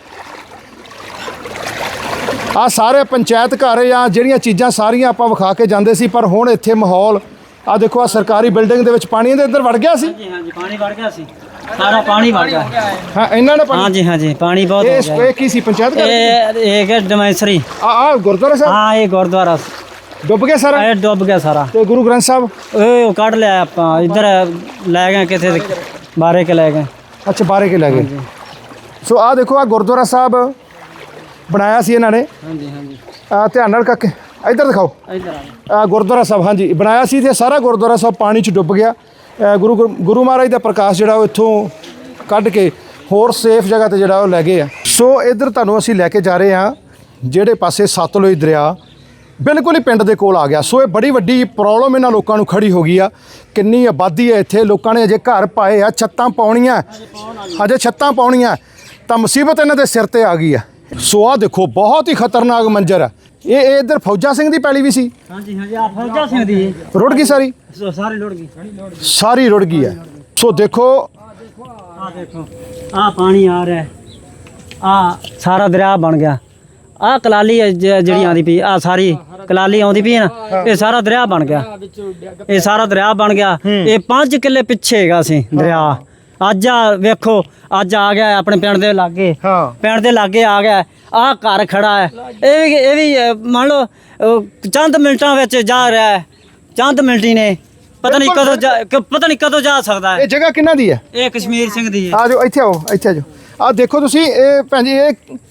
[SPEAKER 1] ਆ ਸਾਰੇ ਪੰਚਾਇਤ ਘਰ ਜਾਂ ਜਿਹੜੀਆਂ ਚੀਜ਼ਾਂ ਸਾਰੀਆਂ ਆਪਾਂ ਵਿਖਾ ਕੇ ਜਾਂਦੇ ਸੀ, ਪਰ ਹੁਣ ਇੱਥੇ ਮਾਹੌਲ ਆ ਦੇਖੋ। ਆ ਸਰਕਾਰੀ ਬਿਲਡਿੰਗ ਦੇ ਵਿੱਚ ਪਾਣੀ ਦੇ ਅੰਦਰ ਵੜ ਗਿਆ ਸੀ।
[SPEAKER 8] ਹਾਂਜੀ ਹਾਂਜੀ ਪਾਣੀ ਵੜ ਗਿਆ ਸੀ, ਸਾਰਾ ਪਾਣੀ ਵੜ ਗਿਆ।
[SPEAKER 1] ਹਾਂ, ਇਹਨਾਂ ਨੇ ਪਾਣੀ,
[SPEAKER 8] ਹਾਂਜੀ ਹਾਂਜੀ ਪਾਣੀ ਬਹੁਤ ਹੋ
[SPEAKER 1] ਇਹ
[SPEAKER 8] ਗਿਆ।
[SPEAKER 1] ਇਹ ਕੀ ਸੀ, ਪੰਚਾਇਤ ਘਰ?
[SPEAKER 8] ਇਹ ਇਹ ਹੈ ਡਮੈਸਰੀ।
[SPEAKER 1] ਆ ਆ ਗੁਰਦੁਆਰਾ ਸਾਹਿਬ
[SPEAKER 8] ਹਾਂ, ਇਹ ਗੁਰਦੁਆਰਾ
[SPEAKER 1] ਡੁੱਬ ਗਿਆ ਸਾਰਾ?
[SPEAKER 8] ਇਹ ਡੁੱਬ ਗਿਆ ਸਾਰਾ।
[SPEAKER 1] ਤੇ ਗੁਰੂ ਗ੍ਰੰਥ ਸਾਹਿਬ?
[SPEAKER 8] ਇਹ ਉਹ ਕੱਢ ਲਿਆ ਆਪਾਂ, ਇੱਧਰ ਲੈ ਗਏ ਕਿਤੇ ਤੇ ਬਾਰੇ ਕੇ ਲੈ ਗਏ।
[SPEAKER 1] ਅੱਛਾ, ਬਾਰੇ ਕੇ ਲੈ ਗਏ। ਸੋ ਆ ਦੇਖੋ, ਆ ਗੁਰਦੁਆਰਾ ਸਾਹਿਬ ਬਣਾਇਆ ਸੀ ਇਹਨਾਂ ਨੇ।
[SPEAKER 8] ਹਾਂਜੀ ਹਾਂਜੀ
[SPEAKER 1] ਆ ਧਿਆਨ ਨਾਲ ਕਾਕੇ ਇੱਧਰ ਦਿਖਾਓ।
[SPEAKER 8] ਇੱਧਰ ਆ
[SPEAKER 1] ਆ ਗੁਰਦੁਆਰਾ ਸਾਹਿਬ ਹਾਂਜੀ ਬਣਾਇਆ ਸੀ ਤੇ ਸਾਰਾ ਗੁਰਦੁਆਰਾ ਸਾਹਿਬ ਪਾਣੀ 'ਚ ਡੁੱਬ ਗਿਆ। ਅ, ਗੁਰੂ ਗੁਰੂ ਮਹਾਰਾਜ ਦਾ ਪ੍ਰਕਾਸ਼ ਜਿਹੜਾ ਉਹ ਇੱਥੋਂ ਕੱਢ ਕੇ ਹੋਰ ਸੇਫ ਜਗ੍ਹਾ ਤੇ ਜਿਹੜਾ ਉਹ ਲੈ ਗਏ ਆ। ਸੋ ਇੱਧਰ ਤੁਹਾਨੂੰ ਅਸੀਂ ਲੈ ਕੇ ਜਾ ਰਹੇ ਹਾਂ ਜਿਹੜੇ ਪਾਸੇ ਸਤਲੁਜ ਦਰਿਆ ਬਿਲਕੁਲ ਹੀ ਪਿੰਡ ਦੇ ਕੋਲ ਆ ਗਿਆ। ਸੋ ਇਹ ਬੜੀ ਵੱਡੀ ਪ੍ਰੋਬਲਮ ਇਹਨਾਂ ਲੋਕਾਂ ਨੂੰ ਖੜੀ ਹੋ ਗਈ ਆ। ਕਿੰਨੀ ਆਬਾਦੀ ਹੈ ਇੱਥੇ, ਲੋਕਾਂ ਨੇ ਅਜੇ ਘਰ ਪਾਏ ਆ, ਛੱਤਾਂ ਪਾਉਣੀਆਂ, ਅਜੇ ਛੱਤਾਂ ਪਾਉਣੀਆਂ, ਤਾਂ ਮੁਸੀਬਤ ਇਹਨਾਂ ਦੇ ਸਿਰ ਤੇ ਆ ਗਈ ਆ। ਸੋ ਆ ਦੇਖੋ, ਬਹੁਤ ਹੀ ਖਤਰਨਾਕ ਮੰਜ਼ਰ ਹੈ। ਇਹ ਇਹ ਇੱਧਰ ਫੌਜਾ ਸਿੰਘ ਦੀ ਪੈਲੀ ਵੀ ਸੀ?
[SPEAKER 8] ਹਾਂਜੀ ਹਾਂਜੀ ਆ ਫੌਜਾ ਸਿੰਘ ਦੀ
[SPEAKER 1] ਰੁੜ ਗਈ ਸਾਰੀ?
[SPEAKER 8] ਸਾਰੀ ਲੁੜ ਗਈ,
[SPEAKER 1] ਸਾਰੀ ਰੁੜ ਗਈ ਹੈ। ਸੋ ਦੇਖੋ,
[SPEAKER 8] ਆ ਦੇਖੋ ਆ ਪਾਣੀ ਆ ਰਿਹਾ, ਆ ਸਾਰਾ ਦਰਿਆ ਬਣ ਗਿਆ। ਆ ਕਲਾਲੀ ਹੈ ਜ- ਜਿਹੜੀ ਆਉਂਦੀ ਪਈ, ਆ ਸਾਰੀ ਕਲਾਲੀ ਆਉਂਦੀ ਪਈ ਹੈ ਨਾ, ਇਹ ਸਾਰਾ ਦਰਿਆ ਬਣ ਗਿਆ। ਇਹ ਸਾਰਾ ਦਰਿਆ ਬਣ ਗਿਆ। ਇਹ ਪੰਜ ਕਿੱਲੇ ਪਿੱਛੇ ਹੈਗਾ ਸੀ ਦਰਿਆ। ਅੱਜ ਆ ਵੇਖੋ, ਅੱਜ ਆ ਗਿਆ ਆਪਣੇ ਪਿੰਡ ਦੇ ਲਾਗੇ।
[SPEAKER 1] ਹਾਂ।
[SPEAKER 8] ਪਿੰਡ ਦੇ ਲਾਗੇ ਆ ਗਿਆ। ਆ ਘਰ ਖੜਾ ਹੈ, ਇਹ ਵੀ ਇਹ ਵੀ ਅ, ਮੰਨ ਲਓ ਅ, ਚੰਦ ਮਿੰਟਾਂ ਵਿੱਚ ਜਾ ਰਿਹਾ ਹੈ। ਚੰਦ ਮਿੰਟੀ ਨੇ ਪਤਾ ਨਹੀਂ ਕਦੋਂ ਜਾ- ਕ- ਪਤਾ ਨਹੀਂ ਕਦੋਂ ਜਾ ਸਕਦਾ ਹੈ।
[SPEAKER 1] ਇਹ ਜਗ੍ਹਾ ਕਿਹਨਾਂ ਦੀ ਹੈ?
[SPEAKER 8] ਇਹ ਕਸ਼ਮੀਰ ਸਿੰਘ ਦੀ ਹੈ।
[SPEAKER 1] ਆ ਜਾਓ, ਇੱਥੇ ਆਓ, ਇੱਥੇ ਆ ਜਾਓ। ਆ ਦੇਖੋ ਤੁਸੀਂ, ਇਹ ਭੈਣ ਜੀ, ਇਹ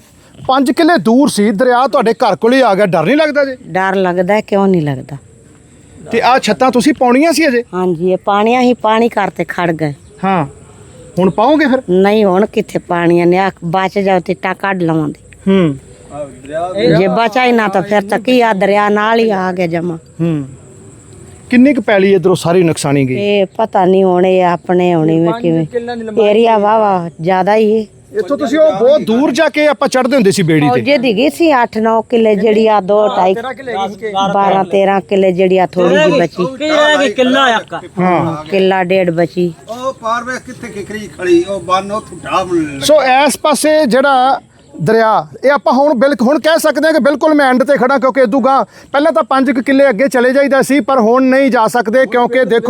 [SPEAKER 1] ਪੰਜ ਕਿੱਲੇ ਦੂਰ ਸੀ ਦਰਿਆ, ਤੁਹਾਡੇ ਘਰ ਕੋਲ ਹੀ ਆ ਗਿਆ, ਡਰ ਨਹੀਂ ਲੱਗਦਾ ਜੀ?
[SPEAKER 2] ਡਰ ਲੱਗਦਾ ਹੈ, ਕਿਉਂ ਨਹੀਂ ਲੱਗਦਾ।
[SPEAKER 1] ਤੇ ਆਹ ਛੱਤਾਂ ਤੁਸੀਂ ਪਾਉਣੀਆਂ ਸੀ ਅਜੇ?
[SPEAKER 2] ਹਾਂਜੀ, ਇਹ ਪਾਣੀਆਂ ਹੀ ਪਾਣੀ ਕਰਤੇ ਖੜ ਗਏ।
[SPEAKER 1] ਹਾਂ, ਹੁਣ ਪਾਓਗੇ ਫਿਰ?
[SPEAKER 2] ਨਹੀਂ, ਹੁਣ ਕਿੱਥੇ ਪਾਣੀਆਂ ਨੇ, ਆ ਬਚ ਜਾਓ ਤੇ ਟਾ ਕੱਢ ਲਵਾਂਗੇ।
[SPEAKER 1] ਹੂੰ
[SPEAKER 2] ਜੇ ਬਚਾ ਹੀ ਨਾ ਤਾਂ ਫਿਰ ਤਾਂ ਕੀ ਆ, ਦਰਿਆ ਨਾਲ ਹੀ ਆ ਗਿਆ ਜਮਾ।
[SPEAKER 1] ਹੂੰ ਕਿੰਨੀ ਕੁ ਪੈਲੀ ਇਧਰੋਂ ਸਾਰੀ ਨੁਕਸਾਨੀ ਗਈ?
[SPEAKER 2] ਇਹ ਪਤਾ ਨਹੀਂ ਹੋਣੇ ਆਪਣੇ ਹੋਣੀ ਵਿੱਚ ਕਿਵੇਂ, ਏਰੀਆ ਵਾਵਾ ਜ਼ਿਆਦਾ ਹੀ ਹੈ।
[SPEAKER 1] ਇੱਥੋਂ ਤੁਸੀਂ ਉਹ ਬਹੁਤ ਦੂਰ ਜਾ ਕੇ ਆਪਾਂ ਚੜ੍ਹਦੇ ਹੁੰਦੇ ਸੀ ਬੇੜੀ ਤੇ।
[SPEAKER 2] ਜੇ ਦੀ ਗਈ ਸੀ ਅੱਠ ਨੌ ਕਿੱਲੇ, ਜਿਹੜੀ ਆ ਦੋ ਢਾਈ ਬਾਰਾਂ ਤੇਰਾਂ ਕਿੱਲੇ, ਜਿਹੜੀ ਆ ਥੋੜੀ ਜਿਹੀ ਬਚੀ।
[SPEAKER 8] ਕਿੱਲਾ ਇੱਕ
[SPEAKER 1] ਹਾਂ,
[SPEAKER 2] ਕਿੱਲਾ ਡੇਢ ਬਚੀ।
[SPEAKER 9] ਉਹ ਪਾਰ ਵੇ ਕਿੱਥੇ ਕਿਕਰੀ ਖੜੀ, ਉਹ ਬੰਨ ਉਹ ਠੁੱਡਾ ਬਣ
[SPEAKER 1] ਸੋ ਇਸ ਪਾਸੇ ਜਿਹੜਾ ਦਰਿਆ, ਇਹ ਆਪਾਂ ਹੁਣ ਬਿਲਕੁਲ ਹੁਣ ਕਹਿ ਸਕਦੇ ਹਾਂ ਕਿ ਬਿਲਕੁਲ ਮੈਂ ਐਂਡ ਤੇ ਖੜਾ, ਕਿਉਂਕਿ ਇਦੋਂ ਗਾਂ ਪਹਿਲਾਂ ਤਾਂ ਪੰਜ ਕੁ ਕਿੱਲੇ ਅੱਗੇ ਚਲੇ ਜਾਈਦਾ ਸੀ, ਪਰ ਹੁਣ ਨਹੀਂ ਜਾ ਸਕਦੇ, ਕਿਉਂਕਿ ਦੇਖੋ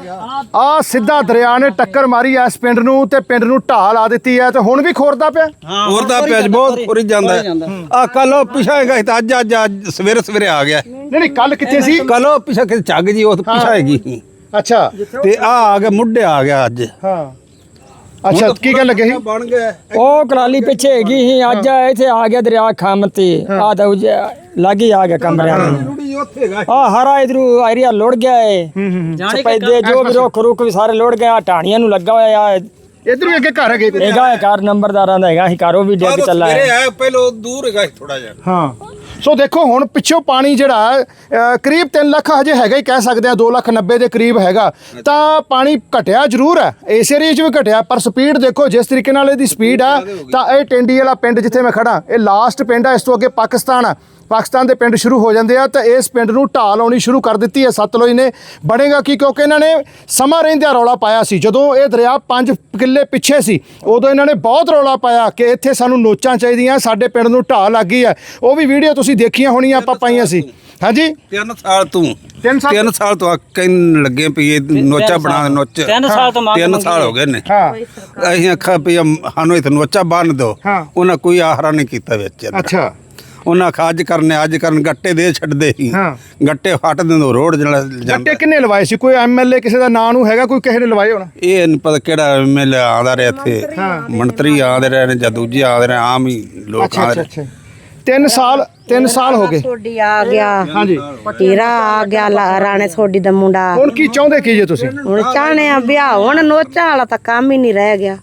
[SPEAKER 1] ਆ ਸਿੱਧਾ ਦਰਿਆ ਨੇ ਟੱਕਰ ਮਾਰੀ ਇਸ ਪਿੰਡ ਨੂੰ ਤੇ ਪਿੰਡ ਨੂੰ ਢਾਹ ਲਾ ਦਿੱਤੀ ਹੈ, ਤੇ ਹੁਣ ਵੀ ਖੋਰਦਾ ਪਿਆ।
[SPEAKER 9] ਹੋਰ ਦਾ ਪਿਆਜ ਬਹੁਤ ਖੁਰੀ ਜਾਂਦਾ ਆ। ਕੱਲ ਉਹ ਪਿਛਾ ਹੈਗਾ ਸੀ ਤਾਂ ਅੱਜ ਅੱਜ ਅੱਜ ਸਵੇਰੇ ਸਵੇਰੇ ਆ ਗਿਆ।
[SPEAKER 1] ਨਹੀਂ ਨਹੀਂ, ਕੱਲ ਕਿੱਥੇ ਸੀ?
[SPEAKER 9] ਕੱਲ ਉਹ ਪਿਛਾ ਕਿ ਝੱਗ ਜੀ ਉਹ ਪਿਛਾ ਹੈਗੀ
[SPEAKER 1] ਅੱਛਾ,
[SPEAKER 9] ਤੇ ਆ ਆ ਗਿਆ ਮੁੱਢੇ ਆ ਗਿਆ ਅੱਜ।
[SPEAKER 1] ਹਾਂ ਅੱਛਾ, ਕੀ ਗੱਲ ਲੱਗੇ ਸੀ?
[SPEAKER 9] ਬਣ ਗਿਆ
[SPEAKER 4] ਉਹ ਕਲਾਲੀ ਪਿੱਛੇ ਹੈਗੀ ਸੀ, ਅੱਜ ਇੱਥੇ ਆ ਗਿਆ ਦਰਿਆ ਖੰਮ ਤੇ ਆ ਤਾਂ ਲਾਗੇ ਆ ਗਿਆ ਕਮਰਿਆਂ ਨੂੰ।
[SPEAKER 9] ਰੂੜੀ ਉੱਥੇ ਹੈਗਾ।
[SPEAKER 4] ਆ ਹਰਾ ਇਧਰੂ ਏਰੀਆ ਲੁੜ ਗਿਆ ਏ, ਸਪੈਦੇ ਜੋ ਵੀ ਰੁੱਖ ਰੁੱਖ ਵੀ ਸਾਰੇ ਲੁੜ ਗਏ, ਆ ਟਾਣੀਆਂ ਨੂੰ ਲੱਗਾ ਹੋਇਆ ਆ।
[SPEAKER 1] ਇਧਰ ਵੀ ਅੱਗੇ ਘਰ ਹੈਗੇ?
[SPEAKER 4] ਹੈਗਾ ਹੈ ਘਰ ਨੰਬਰਦਾਰਾਂ ਦਾ ਹੈਗਾ ਸੀ, ਘਰ ਉਹ ਵੀ ਡਿੱਗ ਚੱਲਾ
[SPEAKER 9] ਸਵੇਰੇ
[SPEAKER 4] ਹੈ।
[SPEAKER 9] ਆਇਆ ਪਹਿਲੋਂ ਦੂਰ ਹੈਗਾ ਥੋੜਾ ਜਿਹਾ।
[SPEAKER 1] ਹਾਂ, ਸੋ ਦੇਖੋ ਹੁਣ ਪਿੱਛੋਂ ਪਾਣੀ ਜਿਹੜਾ ਅ, ਕਰੀਬ ਤਿੰਨ ਲੱਖ ਹਜੇ ਹੈਗਾ ਹੀ, ਕਹਿ ਸਕਦੇ ਆ ਦੋ ਲੱਖ ਨੱਬੇ ਦੇ ਕਰੀਬ ਹੈਗਾ। ਤਾਂ ਪਾਣੀ ਘਟਿਆ ਜ਼ਰੂਰ ਹੈ, ਇਸ ਏਰੀਏ 'ਚ ਵੀ ਘਟਿਆ, ਪਰ ਸਪੀਡ ਦੇਖੋ ਜਿਸ ਤਰੀਕੇ ਨਾਲ ਇਹਦੀ ਸਪੀਡ ਆ। ਤਾਂ ਇਹ ਟੈਂਡੀ ਵਾਲਾ ਪਿੰਡ ਜਿੱਥੇ ਮੈਂ ਖੜਾ, ਇਹ ਲਾਸਟ ਪਿੰਡ ਆ, ਇਸ ਤੋਂ ਅੱਗੇ ਪਾਕਿਸਤਾਨ ਆ, ਪਾਕਿਸਤਾਨ ਦੇ ਪਿੰਡ ਸ਼ੁਰੂ ਹੋ ਜਾਂਦੇ ਆ। ਤਾਂ ਇਸ ਪਿੰਡ ਨੂੰ ਢਾਹ ਲਾਉਣੀ ਸ਼ੁਰੂ ਕਰ ਦਿੱਤੀ ਹੈ ਸਤਲੁਜ ਨੇ। ਬਣੇਗਾ ਕੀ, ਕਿਉਂਕਿ ਇਹਨਾਂ ਨੇ ਸਮਾਂ ਰਹਿੰਦਿਆਂ ਰੌਲਾ ਪਾਇਆ ਸੀ, ਜਦੋਂ ਇਹ ਦਰਿਆ ਪੰਜ ਕਿੱਲੇ ਪਿੱਛੇ ਸੀ ਉਦੋਂ ਇਹਨਾਂ ਨੇ ਬਹੁਤ ਰੌਲਾ ਪਾਇਆ ਕਿ ਇੱਥੇ ਸਾਨੂੰ ਨੋਚਾਂ ਚਾਹੀਦੀਆਂ, ਸਾਡੇ ਪਿੰਡ ਨੂੰ ਢਾਹ ਲੱਗ ਗਈ ਹੈ। ਉਹ ਵੀ ਵੀਡੀਓ ਤੁਸੀਂ ਦੇਖੀਆਂ ਹੋਣੀਆਂ, ਆਪਾਂ ਪਾਈਆਂ ਸੀ। ਹਾਂਜੀ,
[SPEAKER 9] ਤਿੰਨ ਸਾਲ ਤੋਂ
[SPEAKER 1] ਤਿੰਨ ਸਾਲ
[SPEAKER 9] ਤਿੰਨ ਸਾਲ ਤੋਂ ਕਹਿਣ ਲੱਗੇ ਵੀ ਇਹ ਨੋਚਾ ਬਣਾ ਨੋਚ
[SPEAKER 8] ਤਿੰਨ ਸਾਲ ਤੋਂ ਮੰਗ
[SPEAKER 9] ਤਿੰਨ ਸਾਲ ਹੋ ਗਏ ਨੇ।
[SPEAKER 1] ਹਾਂ
[SPEAKER 9] ਅਸੀਂ ਆਖਿਆ ਵੀ ਸਾਨੂੰ ਇਹ ਨੋਚਾ ਬੰਨ ਦਿਓ,
[SPEAKER 1] ਹਾਂ।
[SPEAKER 9] ਉਹਨਾਂ ਕੋਈ ਆਹਰਾ ਨਹੀਂ ਕੀਤਾ ਵਿੱਚ।
[SPEAKER 1] ਅੱਛਾ,
[SPEAKER 9] ਉਹਨਾਂ ਆਖਿਆ ਅੱਜ ਕਰਨੇ ਅੱਜ ਕਰਨ, ਗੱਟੇ ਦੇ ਛੱਡਦੇ ਸੀ।
[SPEAKER 1] ਹਾਂ।
[SPEAKER 9] ਗੱਟੇ ਫੱਟ ਦਿੰਦੇ ਰੋਡ ਜਿਹੜਾ
[SPEAKER 1] ਗੱਟੇ
[SPEAKER 9] ਜਾਂਦਾ।
[SPEAKER 1] ਕਿੰਨੇ ਲਵਾਏ ਸੀ? ਕੋਈ ਐਮਐਲਏ ਕਿਸੇ ਦਾ ਨਾਂ ਨੂੰ ਹੈਗਾ, ਕੋਈ ਕਿਸੇ ਨੇ ਲਵਾਏ ਹੋਣਾ?
[SPEAKER 9] ਇਹ ਨਹੀਂ ਪਤਾ ਕਿਹੜਾ ਐਮਐਲਏ ਆਉਂਦਾ ਰਿਹਾ ਇੱਥੇ, ਮੰਤਰੀ ਆਉਂਦੇ ਰਹੇ ਨੇ ਜਾਂ ਦੂਜੇ ਆਉਂਦੇ ਰਹੇ, ਆਮ ਹੀ ਲੋਕ
[SPEAKER 1] ਅੱਛਾ
[SPEAKER 9] ਆਉਂਦੇ
[SPEAKER 1] ਅੱਛਾ
[SPEAKER 9] ਰਹੇ।
[SPEAKER 1] ਅੱਛਾ, ਤਿੰਨ ਸਾਲ ਤਿੰਨ ਸਾਲ ਹੋ ਗਏ।
[SPEAKER 2] ਸੋਡੀ ਆ ਗਿਆ,
[SPEAKER 1] ਹਾਂਜੀ,
[SPEAKER 2] ਹੀਰਾ ਆ ਗਿਆ, ਲਾ- ਰਾਣੇ ਸੋਡੀ ਦਾ ਮੁੰਡਾ।
[SPEAKER 1] ਹੁਣ ਕੀ ਚਾਹੁੰਦੇ ਕੀ ਜੇ ਤੁਸੀਂ?
[SPEAKER 2] ਹੁਣ ਚਾਹਣੇ ਆ ਵਿਆਹ, ਹੁਣ ਨੋਚਾ ਵਾਲਾ ਤਾਂ ਕੰਮ ਹੀ ਨਹੀਂ ਰਹਿ ਗਿਆ,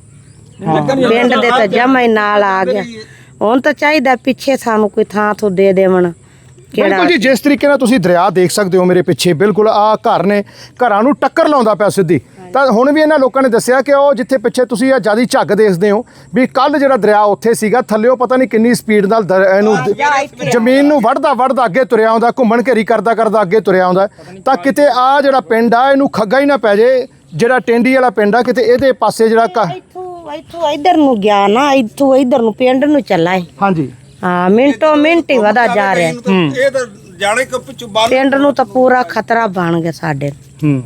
[SPEAKER 2] ਪਿੰਡ ਦੇ ਤਾਂ ਜਮਾ ਹੀ ਨਾਲ ਆ ਗਿਆ। ਹੁਣ ਤਾਂ ਚਾਹੀਦਾ ਪਿੱਛੇ ਸਾਨੂੰ ਕੋਈ ਥਾਂ ਤੋਂ ਦੇ ਦੇਵਣ। ਕਿਹੜਾ
[SPEAKER 1] ਬਿਲਕੁਲ ਜੀ, ਜਿਸ ਤਰੀਕੇ ਨਾਲ ਤੁਸੀਂ ਦਰਿਆ ਦੇਖ ਸਕਦੇ ਹੋ ਮੇਰੇ ਪਿੱਛੇ, ਬਿਲਕੁਲ ਆ ਘਰ ਨੇ, ਘਰਾਂ ਨੂੰ ਟੱਕਰ ਲਾਉਂਦਾ ਪਿਆ ਸਿੱਧੀ। ਤਾਂ ਹੁਣ ਵੀ ਇਹਨਾਂ ਲੋਕਾਂ ਨੇ ਦੱਸਿਆ ਕਿ ਉਹ ਜਿੱਥੇ ਪਿੱਛੇ ਤੁਸੀਂ ਆ ਜਿਆਦੀ ਝੱਗ ਦੇਖਦੇ ਹੋ, ਵੀ ਕੱਲ ਜਿਹੜਾ ਦਰਿਆ ਉੱਥੇ ਸੀਗਾ, ਥੱਲਿਓ ਪਤਾ ਨਹੀਂ ਕਿੰਨੀ ਸਪੀਡ ਨਾਲ ਦਰ- ਇਹਨੂੰ ਜ਼ਮੀਨ ਨੂੰ ਵੜਦਾ ਵੜਦਾ ਅੱਗੇ ਤੁਰਿਆ ਆਉਂਦਾ, ਘੁੰਮਣ ਘੇਰੀ ਕਰਦਾ ਕਰਦਾ ਅੱਗੇ ਤੁਰਿਆ ਆਉਂਦਾ। ਤਾਂ ਕਿਤੇ ਆ ਜਿਹੜਾ ਪਿੰਡ ਆ ਇਹਨੂੰ ਖੱਗਾ ਹੀ ਨਾ ਪੈ ਜੇ, ਜਿਹੜਾ ਟੈਂਡੀ ਵਾਲਾ ਪਿੰਡ ਆ, ਕਿਤੇ ਇਹਦੇ ਪਾਸੇ ਜਿਹੜਾ ਘ-
[SPEAKER 2] ਇੱਥੋਂ ਇੱਥੋਂ ਇੱਧਰ ਨੂੰ ਗਿਆ ਨਾ, ਇੱਥੋਂ ਇੱਧਰ ਨੂੰ ਪਿੰਡ ਨੂੰ ਚੱਲਾ ਹੈ।
[SPEAKER 1] ਹਾਂਜੀ,
[SPEAKER 2] ਹਾਂ, ਮਿੰਟੋ ਮਿੰਟ ਹੀ ਵਧਾ ਜਾ ਰਿਹਾ।
[SPEAKER 9] ਇਹ ਤਾਂ ਜਾਣੇ ਕਿ ਪਿੱਛੋਂ ਬਾਹਰ
[SPEAKER 2] ਪਿੰਡ ਨੂੰ ਤਾਂ ਪੂਰਾ ਖਤਰਾ ਬਣ ਗਿਆ ਸਾਡੇ।
[SPEAKER 1] ਹੂੰ,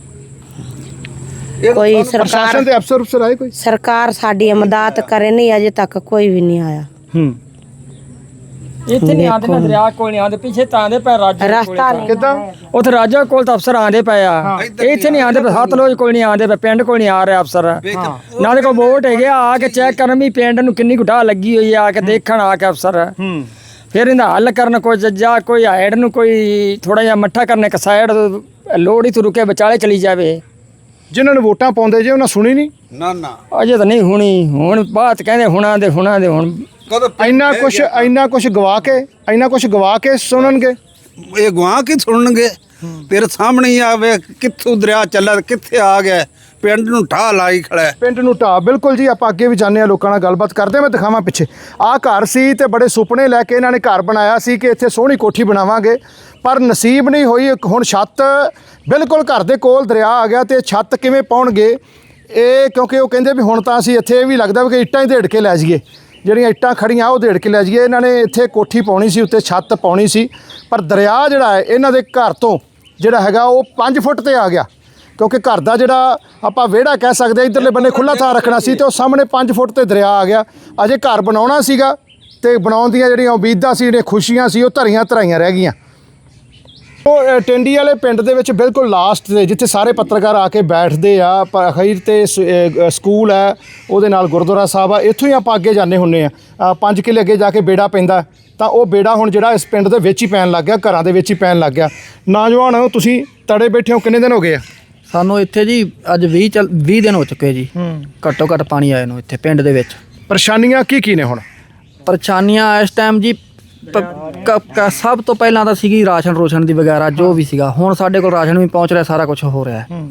[SPEAKER 2] ਕੋਈ ਸਰਕਾਰ
[SPEAKER 1] ਪ੍ਰਸ਼ਾਸਨ ਦੇ ਅਫਸਰ ਅਫਸਰ ਆਏ ਕੋਈ?
[SPEAKER 2] ਸਰਕਾਰ ਸਾਡੀ ਮਦਦ ਕਰੇ ਨਹੀਂ, ਅਜੇ ਤੱਕ ਕੋਈ ਵੀ ਨਹੀਂ ਆਇਆ।
[SPEAKER 1] ਹੂੰ,
[SPEAKER 4] ਇੱਥੇ ਨਹੀਂ ਆਉਂਦੇ ਨਾ, ਦਰਿਆ ਕੋਲ ਨਹੀਂ ਆਉਂਦੇ, ਪਿੱਛੇ ਤਾਂ ਆਉਂਦੇ ਪਏ ਰਾਜਾ
[SPEAKER 2] ਰਸਤਾ ਨਹੀਂ
[SPEAKER 1] ਕਿੱਦਾਂ?
[SPEAKER 4] ਉੱਥੇ ਰਾਜਾ ਕੋਲ ਤਾਂ ਅਫਸਰ ਆਉਂਦੇ ਪਏ ਆ, ਇੱਥੇ ਨਹੀਂ ਆਉਂਦੇ ਪਏ, ਸਤਲੁਜ ਕੋਲ ਨਹੀਂ ਆਉਂਦੇ ਪਏ, ਪਿੰਡ ਕੋਲ ਨਹੀਂ ਆ ਰਿਹਾ ਅਫਸਰ। ਨਾਲੇ ਕੋਲ ਵੋਟ ਹੈਗੇ ਆ, ਆ ਕੇ ਚੈੱਕ ਕਰਨ ਵੀ ਪਿੰਡ ਨੂੰ ਕਿੰਨੀ ਗੁਟਾ ਲੱਗੀ ਹੋਈ ਆ, ਆ ਕੇ ਦੇਖਣ ਆ ਕੇ ਅਫਸਰ।
[SPEAKER 1] ਹੂੰ,
[SPEAKER 4] ਫਿਰ ਇਹਦਾ ਹੱਲ ਕਰਨ ਕੋਈ ਜੱਜਾ, ਕੋਈ ਹਾਈਡ ਨੂੰ ਕੋਈ ਥੋੜਾ ਜਿਹਾ ਮੱਠਾ ਕਰਨ, ਇੱਕ ਸਾਈਡ ਲੋੜ ਹੀ ਤੋਂ ਰੁਕੇ ਵਿਚਾਲੇ ਚਲੀ ਜਾਵੇ।
[SPEAKER 1] ਜਿਨ੍ਹਾਂ ਨੂੰ ਵੋਟਾਂ ਪਾਉਂਦੇ ਜੇ ਉਹਨਾਂ ਸੁਣੀ ਨਹੀਂ?
[SPEAKER 9] ਨਾ ਨਾ
[SPEAKER 4] ਅਜੇ ਤਾਂ ਨਹੀਂ ਹੋਣੀ, ਹੁਣ ਬਾਤ ਕਹਿੰਦੇ ਹੁਣਾਂ ਦੇ ਹੁਣਾਂ ਦੇ ਹੁਣ
[SPEAKER 9] ਕਦੋਂ
[SPEAKER 1] ਇੰਨਾ ਕੁਛ ਇੰਨਾ ਕੁਛ ਗਵਾ ਕੇ ਇੰਨਾ ਕੁਛ ਗਵਾ ਕੇ ਸੁਣਨਗੇ?
[SPEAKER 9] ਇਹ ਗਵਾਹ ਕੀ ਸੁਣਨਗੇ? ਤੇਰੇ ਸਾਹਮਣੇ ਹੀ ਆਵੇ ਕਿੱਥੋਂ ਦਰਿਆ ਚੱਲਾ ਤੇ ਕਿੱਥੇ ਆ ਗਿਆ, ਪਿੰਡ ਨੂੰ ਢਾਹ ਲਾਈ ਖੜਾ ਹੈ।
[SPEAKER 1] ਪਿੰਡ ਨੂੰ ਢਾਹ, ਬਿਲਕੁਲ ਜੀ। ਆਪਾਂ ਅੱਗੇ ਵੀ ਜਾਂਦੇ ਆ, ਲੋਕਾਂ ਨਾਲ ਗੱਲਬਾਤ ਕਰਦੇ। ਮੈਂ ਦਿਖਾਵਾਂ ਪਿੱਛੇ ਆਹ ਘਰ ਸੀ ਤੇ ਬੜੇ ਸੁਪਨੇ ਲੈ ਕੇ ਇਹਨਾਂ ਨੇ ਘਰ ਬਣਾਇਆ ਸੀ ਕਿ ਇੱਥੇ ਸੋਹਣੀ ਕੋਠੀ ਬਣਾਵਾਂਗੇ, ਪਰ ਨਸੀਬ ਨਹੀਂ ਹੋਈ। ਹੁਣ ਛੱਤ ਬਿਲਕੁਲ ਘਰ ਦੇ ਕੋਲ ਦਰਿਆ ਆ ਗਿਆ ਤੇ ਛੱਤ ਕਿਵੇਂ ਪਾਉਣਗੇ ਇਹ, ਕਿਉਂਕਿ ਉਹ ਕਹਿੰਦੇ ਵੀ ਹੁਣ ਤਾਂ ਅਸੀਂ ਇੱਥੇ ਇਹ ਵੀ ਲੱਗਦਾ ਵੀ ਕਿ ਇੱਟਾਂ ਹੀ ਢੇੜ ਕੇ ਲੈ ਜਾਈਏ, ਜਿਹੜੀਆਂ ਇੱਟਾਂ ਖੜੀਆਂ ਉਹ ਢੇੜ ਕੇ ਲੈ ਜਾਈਏ। ਇਹਨਾਂ ਨੇ ਇੱਥੇ ਕੋਠੀ ਪਾਉਣੀ ਸੀ, ਉੱਤੇ ਛੱਤ ਪਾਉਣੀ ਸੀ, ਪਰ ਦਰਿਆ ਜਿਹੜਾ ਹੈ ਇਹਨਾਂ ਦੇ ਘਰ ਤੋਂ ਜਿਹੜਾ ਹੈਗਾ ਉਹ ਪੰਜ ਫੁੱਟ ਤੇ ਆ ਗਿਆ, ਕਿਉਂਕਿ ਘਰ ਦਾ ਜਿਹੜਾ ਆਪਾਂ ਵਿਹੜਾ ਕਹਿ ਸਕਦੇ ਇਧਰਲੇ ਬੰਨੇ ਖੁੱਲ੍ਹਾ ਥਾਂ ਰੱਖਣਾ ਸੀ ਤੇ ਉਹ ਸਾਹਮਣੇ ਪੰਜ ਫੁੱਟ ਤੇ ਦਰਿਆ ਆ ਗਿਆ। ਅਜੇ ਘਰ ਬਣਾਉਣਾ ਸੀਗਾ ਤੇ ਬਣਾਉਣ ਦੀਆਂ ਜਿਹੜੀਆਂ ਉਮੀਦਾਂ ਸੀ, ਜਿਹੜੀਆਂ ਖੁਸ਼ੀਆਂ ਸੀ, ਉਹ ਧਰੀਆਂ ਧਰਾਈਆਂ ਰਹਿ ਗਈਆਂ। ਉਹ ਅ, ਟਿੰਡੀ ਵਾਲੇ ਪਿੰਡ ਦੇ ਵਿੱਚ ਬਿਲਕੁਲ ਲਾਸਟ ਤੇ ਜਿੱਥੇ ਸਾਰੇ ਪੱਤਰਕਾਰ ਆ ਕੇ ਬੈਠਦੇ ਆ ਪਰ ਅਖੀਰ ਤੇ ਸ- ਅ, ਸਕੂਲ ਹੈ, ਉਹਦੇ ਨਾਲ ਗੁਰਦੁਆਰਾ ਸਾਹਿਬ ਆ, ਇੱਥੋਂ ਹੀ ਆਪਾਂ ਅੱਗੇ ਜਾਂਦੇ ਹੁੰਦੇ ਆ ਅ, ਪੰਜ ਕਿੱਲੇ ਅੱਗੇ ਜਾ ਕੇ ਬੇੜਾ ਪੈਂਦਾ, ਤਾਂ ਉਹ ਬੇੜਾ ਹੁਣ ਜਿਹੜਾ ਇਸ ਪਿੰਡ ਦੇ ਵਿੱਚ ਹੀ ਪੈਣ ਲੱਗ ਗਿਆ, ਘਰਾਂ ਦੇ ਵਿੱਚ ਹੀ ਪੈਣ ਲੱਗ ਗਿਆ। ਨੌਜਵਾਨ ਤੁਸੀਂ ਤੜੇ ਬੈਠੇ ਹੋ, ਕਿੰਨੇ ਦਿਨ ਹੋ ਗਏ ਆ?
[SPEAKER 10] ਸਾਨੂੰ ਇੱਥੇ ਜੀ ਅੱਜ ਵੀਹ ਚੱਲ ਵੀਹ ਦਿਨ ਹੋ ਚੁੱਕੇ ਜੀ ਘੱਟੋ ਘੱਟ ਪਾਣੀ ਆਏ ਨੂੰ ਇੱਥੇ ਪਿੰਡ ਦੇ ਵਿੱਚ।
[SPEAKER 1] ਪਰੇਸ਼ਾਨੀਆਂ ਕੀ ਕੀ ਨੇ ਹੁਣ?
[SPEAKER 10] ਪਰੇਸ਼ਾਨੀਆਂ ਇਸ ਟਾਈਮ ਜੀ ਪ- ਕ- ਕ- ਸਭ ਤੋਂ ਪਹਿਲਾਂ ਤਾਂ ਸੀਗੀ ਰਾਸ਼ਨ ਰੋਸ਼ਨ ਦੀ ਵਗੈਰਾ ਜੋ ਵੀ ਸੀਗਾ। ਹੁਣ ਸਾਡੇ ਕੋਲ ਰਾਸ਼ਨ ਵੀ ਪਹੁੰਚ ਰਿਹਾ, ਸਾਰਾ ਕੁਝ ਹੋ ਰਿਹਾ ਹੈ।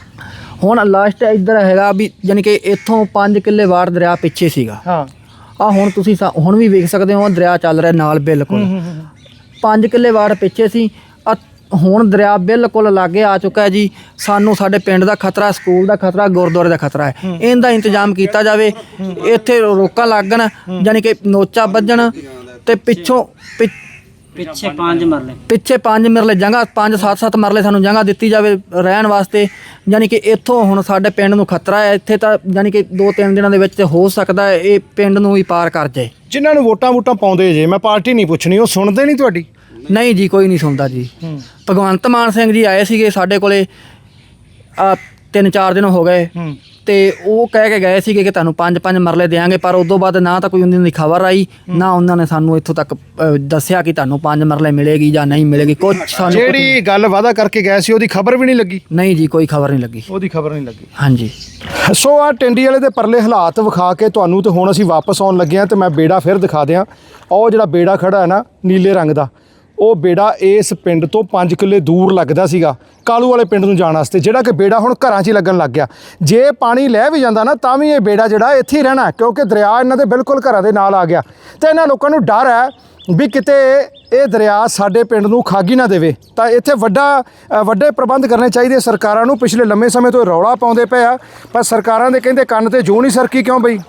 [SPEAKER 10] ਹੁਣ ਲਾਸਟ ਇੱਧਰ ਹੈਗਾ ਵੀ ਯਾਨੀ ਕਿ ਇੱਥੋਂ ਪੰਜ ਕਿੱਲੇ ਵਾਰ ਦਰਿਆ ਪਿੱਛੇ ਸੀਗਾ।
[SPEAKER 1] ਹਾਂ
[SPEAKER 10] ਆ ਹੁਣ ਤੁਸੀਂ ਸਾ- ਹੁਣ ਵੀ ਵੇਖ ਸਕਦੇ ਹੋ ਦਰਿਆ ਚੱਲ ਰਿਹਾ ਨਾਲ ਬਿਲਕੁਲ। ਪੰਜ ਕਿੱਲੇ ਵਾਰ ਪਿੱਛੇ ਸੀ, ਆ ਹੁਣ ਦਰਿਆ ਬਿਲਕੁਲ ਲਾਗੇ ਆ ਚੁੱਕਾ ਹੈ ਜੀ। ਸਾਨੂੰ ਸਾਡੇ ਪਿੰਡ ਦਾ ਖਤਰਾ, ਸਕੂਲ ਦਾ ਖਤਰਾ, ਗੁਰਦੁਆਰੇ ਦਾ ਖਤਰਾ ਹੈ। ਇਹਦਾ ਇੰਤਜ਼ਾਮ ਕੀਤਾ ਜਾਵੇ, ਇੱਥੇ ਰੋਕਾਂ ਲੱਗਣ, ਯਾਨੀ ਕਿ ਨੋਚਾ ਵੱਜਣ ਤੇ ਪਿੱਛੋਂ ਪਿ-
[SPEAKER 8] ਪਿੱਛੇ ਪੰਜ ਮਰਲੇ
[SPEAKER 10] ਪਿੱਛੇ ਪੰਜ ਮਰਲੇ ਜਗ੍ਹਾ, ਪੰਜ ਸੱਤ ਸੱਤ ਮਰਲੇ ਸਾਨੂੰ ਜਗ੍ਹਾ ਦਿੱਤੀ ਜਾਵੇ ਰਹਿਣ ਵਾਸਤੇ। ਯਾਨੀ ਕਿ ਇੱਥੋਂ ਹੁਣ ਸਾਡੇ ਪਿੰਡ ਨੂੰ ਖਤਰਾ ਹੈ। ਇੱਥੇ ਤਾਂ ਯਾਨੀ ਕਿ ਦੋ ਤਿੰਨ ਦਿਨਾਂ ਦੇ ਵਿੱਚ ਹੋ ਸਕਦਾ ਹੈ ਇਹ ਪਿੰਡ ਨੂੰ ਹੀ ਪਾਰ ਕਰ ਜਾਏ।
[SPEAKER 1] ਜਿਨ੍ਹਾਂ ਨੂੰ ਵੋਟਾਂ ਵੋਟਾਂ ਪਾਉਂਦੇ ਜੇ, ਮੈਂ ਪਾਰਟੀ ਨਹੀਂ ਪੁੱਛਣੀ, ਉਹ ਸੁਣਦੇ ਨਹੀਂ ਤੁਹਾਡੀ?
[SPEAKER 10] ਨਹੀਂ ਜੀ, ਕੋਈ ਨਹੀਂ ਸੁਣਦਾ ਜੀ। ਭਗਵੰਤ ਮਾਨ ਸਿੰਘ ਜੀ ਆਏ ਸੀਗੇ ਸਾਡੇ ਕੋਲੇ ਆ ਤਿੰਨ ਚਾਰ ਦਿਨ ਹੋ ਗਏ ਤੇ ਉਹ ਕਹਿ ਕੇ ਗਏ ਸੀਗੇ ਕਿ ਤੁਹਾਨੂੰ ਪੰਜ ਪੰਜ ਮਰਲੇ ਦੇਵਾਂਗੇ, ਪਰ ਉਦੋਂ ਬਾਅਦ ਨਾ ਤਾਂ ਕੋਈ ਉਹਨਾਂ ਦੀ ਖਬਰ ਆਈ, ਨਾ ਉਹਨਾਂ ਨੇ ਸਾਨੂੰ ਇੱਥੋਂ ਤੱਕ ਅ, ਦੱਸਿਆ ਕਿ ਤੁਹਾਨੂੰ ਪੰਜ ਮਰਲੇ ਮਿਲੇਗੀ ਜਾਂ ਨਹੀਂ ਮਿਲੇਗੀ। ਕੁਝ ਸਾਨੂੰ
[SPEAKER 1] ਜਿਹੜੀ ਗੱਲ ਵਾਅਦਾ ਕਰਕੇ ਗਏ ਸੀ ਉਹਦੀ ਖਬਰ ਵੀ ਨਹੀਂ ਲੱਗੀ?
[SPEAKER 10] ਨਹੀਂ ਜੀ, ਕੋਈ ਖਬਰ ਨਹੀਂ ਲੱਗੀ।
[SPEAKER 1] ਉਹਦੀ ਖਬਰ ਨਹੀਂ ਲੱਗੀ।
[SPEAKER 10] ਹਾਂਜੀ,
[SPEAKER 1] ਸੋ ਆ ਟਿੰਡੀ ਵਾਲੇ ਦੇ ਪਰਲੇ ਹਾਲਾਤ ਵਿਖਾ ਕੇ ਤੁਹਾਨੂੰ, ਤੇ ਹੁਣ ਅਸੀਂ ਵਾਪਸ ਆਉਣ ਲੱਗੇ ਹਾਂ ਤੇ ਮੈਂ ਬੇੜਾ ਫਿਰ ਦਿਖਾ ਦਿਆਂ। ਉਹ ਜਿਹੜਾ ਬੇੜਾ ਖੜਾ ਹੈ ਨਾ ਨੀਲੇ ਰੰਗ ਦਾ, ਉਹ ਬੇੜਾ ਇਸ ਪਿੰਡ ਤੋਂ ਪੰਜ ਕਿੱਲੇ ਦੂਰ ਲੱਗਦਾ ਸੀਗਾ ਕਾਲੂ ਵਾਲੇ ਪਿੰਡ ਨੂੰ ਜਾਣ ਵਾਸਤੇ, ਜਿਹੜਾ ਕਿ ਬੇੜਾ ਹੁਣ ਘਰਾਂ 'ਚ ਹੀ ਲੱਗਣ ਲੱਗ ਗਿਆ। ਜੇ ਪਾਣੀ ਲੈ ਵੀ ਜਾਂਦਾ ਨਾ ਤਾਂ ਵੀ ਇਹ ਬੇੜਾ ਜਿਹੜਾ ਇੱਥੇ ਹੀ ਰਹਿਣਾ, ਕਿਉਂਕਿ ਦਰਿਆ ਇਹਨਾਂ ਦੇ ਬਿਲਕੁਲ ਘਰਾਂ ਦੇ ਨਾਲ ਆ ਗਿਆ। ਤੇ ਇਹਨਾਂ ਲੋਕਾਂ ਨੂੰ ਡਰ ਹੈ ਵੀ ਕਿਤੇ ਇਹ ਦਰਿਆ ਸਾਡੇ ਪਿੰਡ ਨੂੰ ਖਾਗੀ ਨਾ ਦੇਵੇ। ਤਾਂ ਇੱਥੇ ਵੱਡਾ ਅ, ਵੱਡੇ ਪ੍ਰਬੰਧ ਕਰਨੇ ਚਾਹੀਦੇ ਸਰਕਾਰਾਂ ਨੂੰ। ਪਿਛਲੇ ਲੰਮੇ ਸਮੇਂ ਤੋਂ ਇਹ ਰੌਲਾ ਪਾਉਂਦੇ ਪਏ ਆ, ਪਰ ਸਰਕਾਰਾਂ ਦੇ ਕਹਿੰਦੇ ਕੰਨ ਤੇ ਜੂੰ ਨਹੀਂ ਸਰਕੀ। ਕਿਉਂ ਬਈ?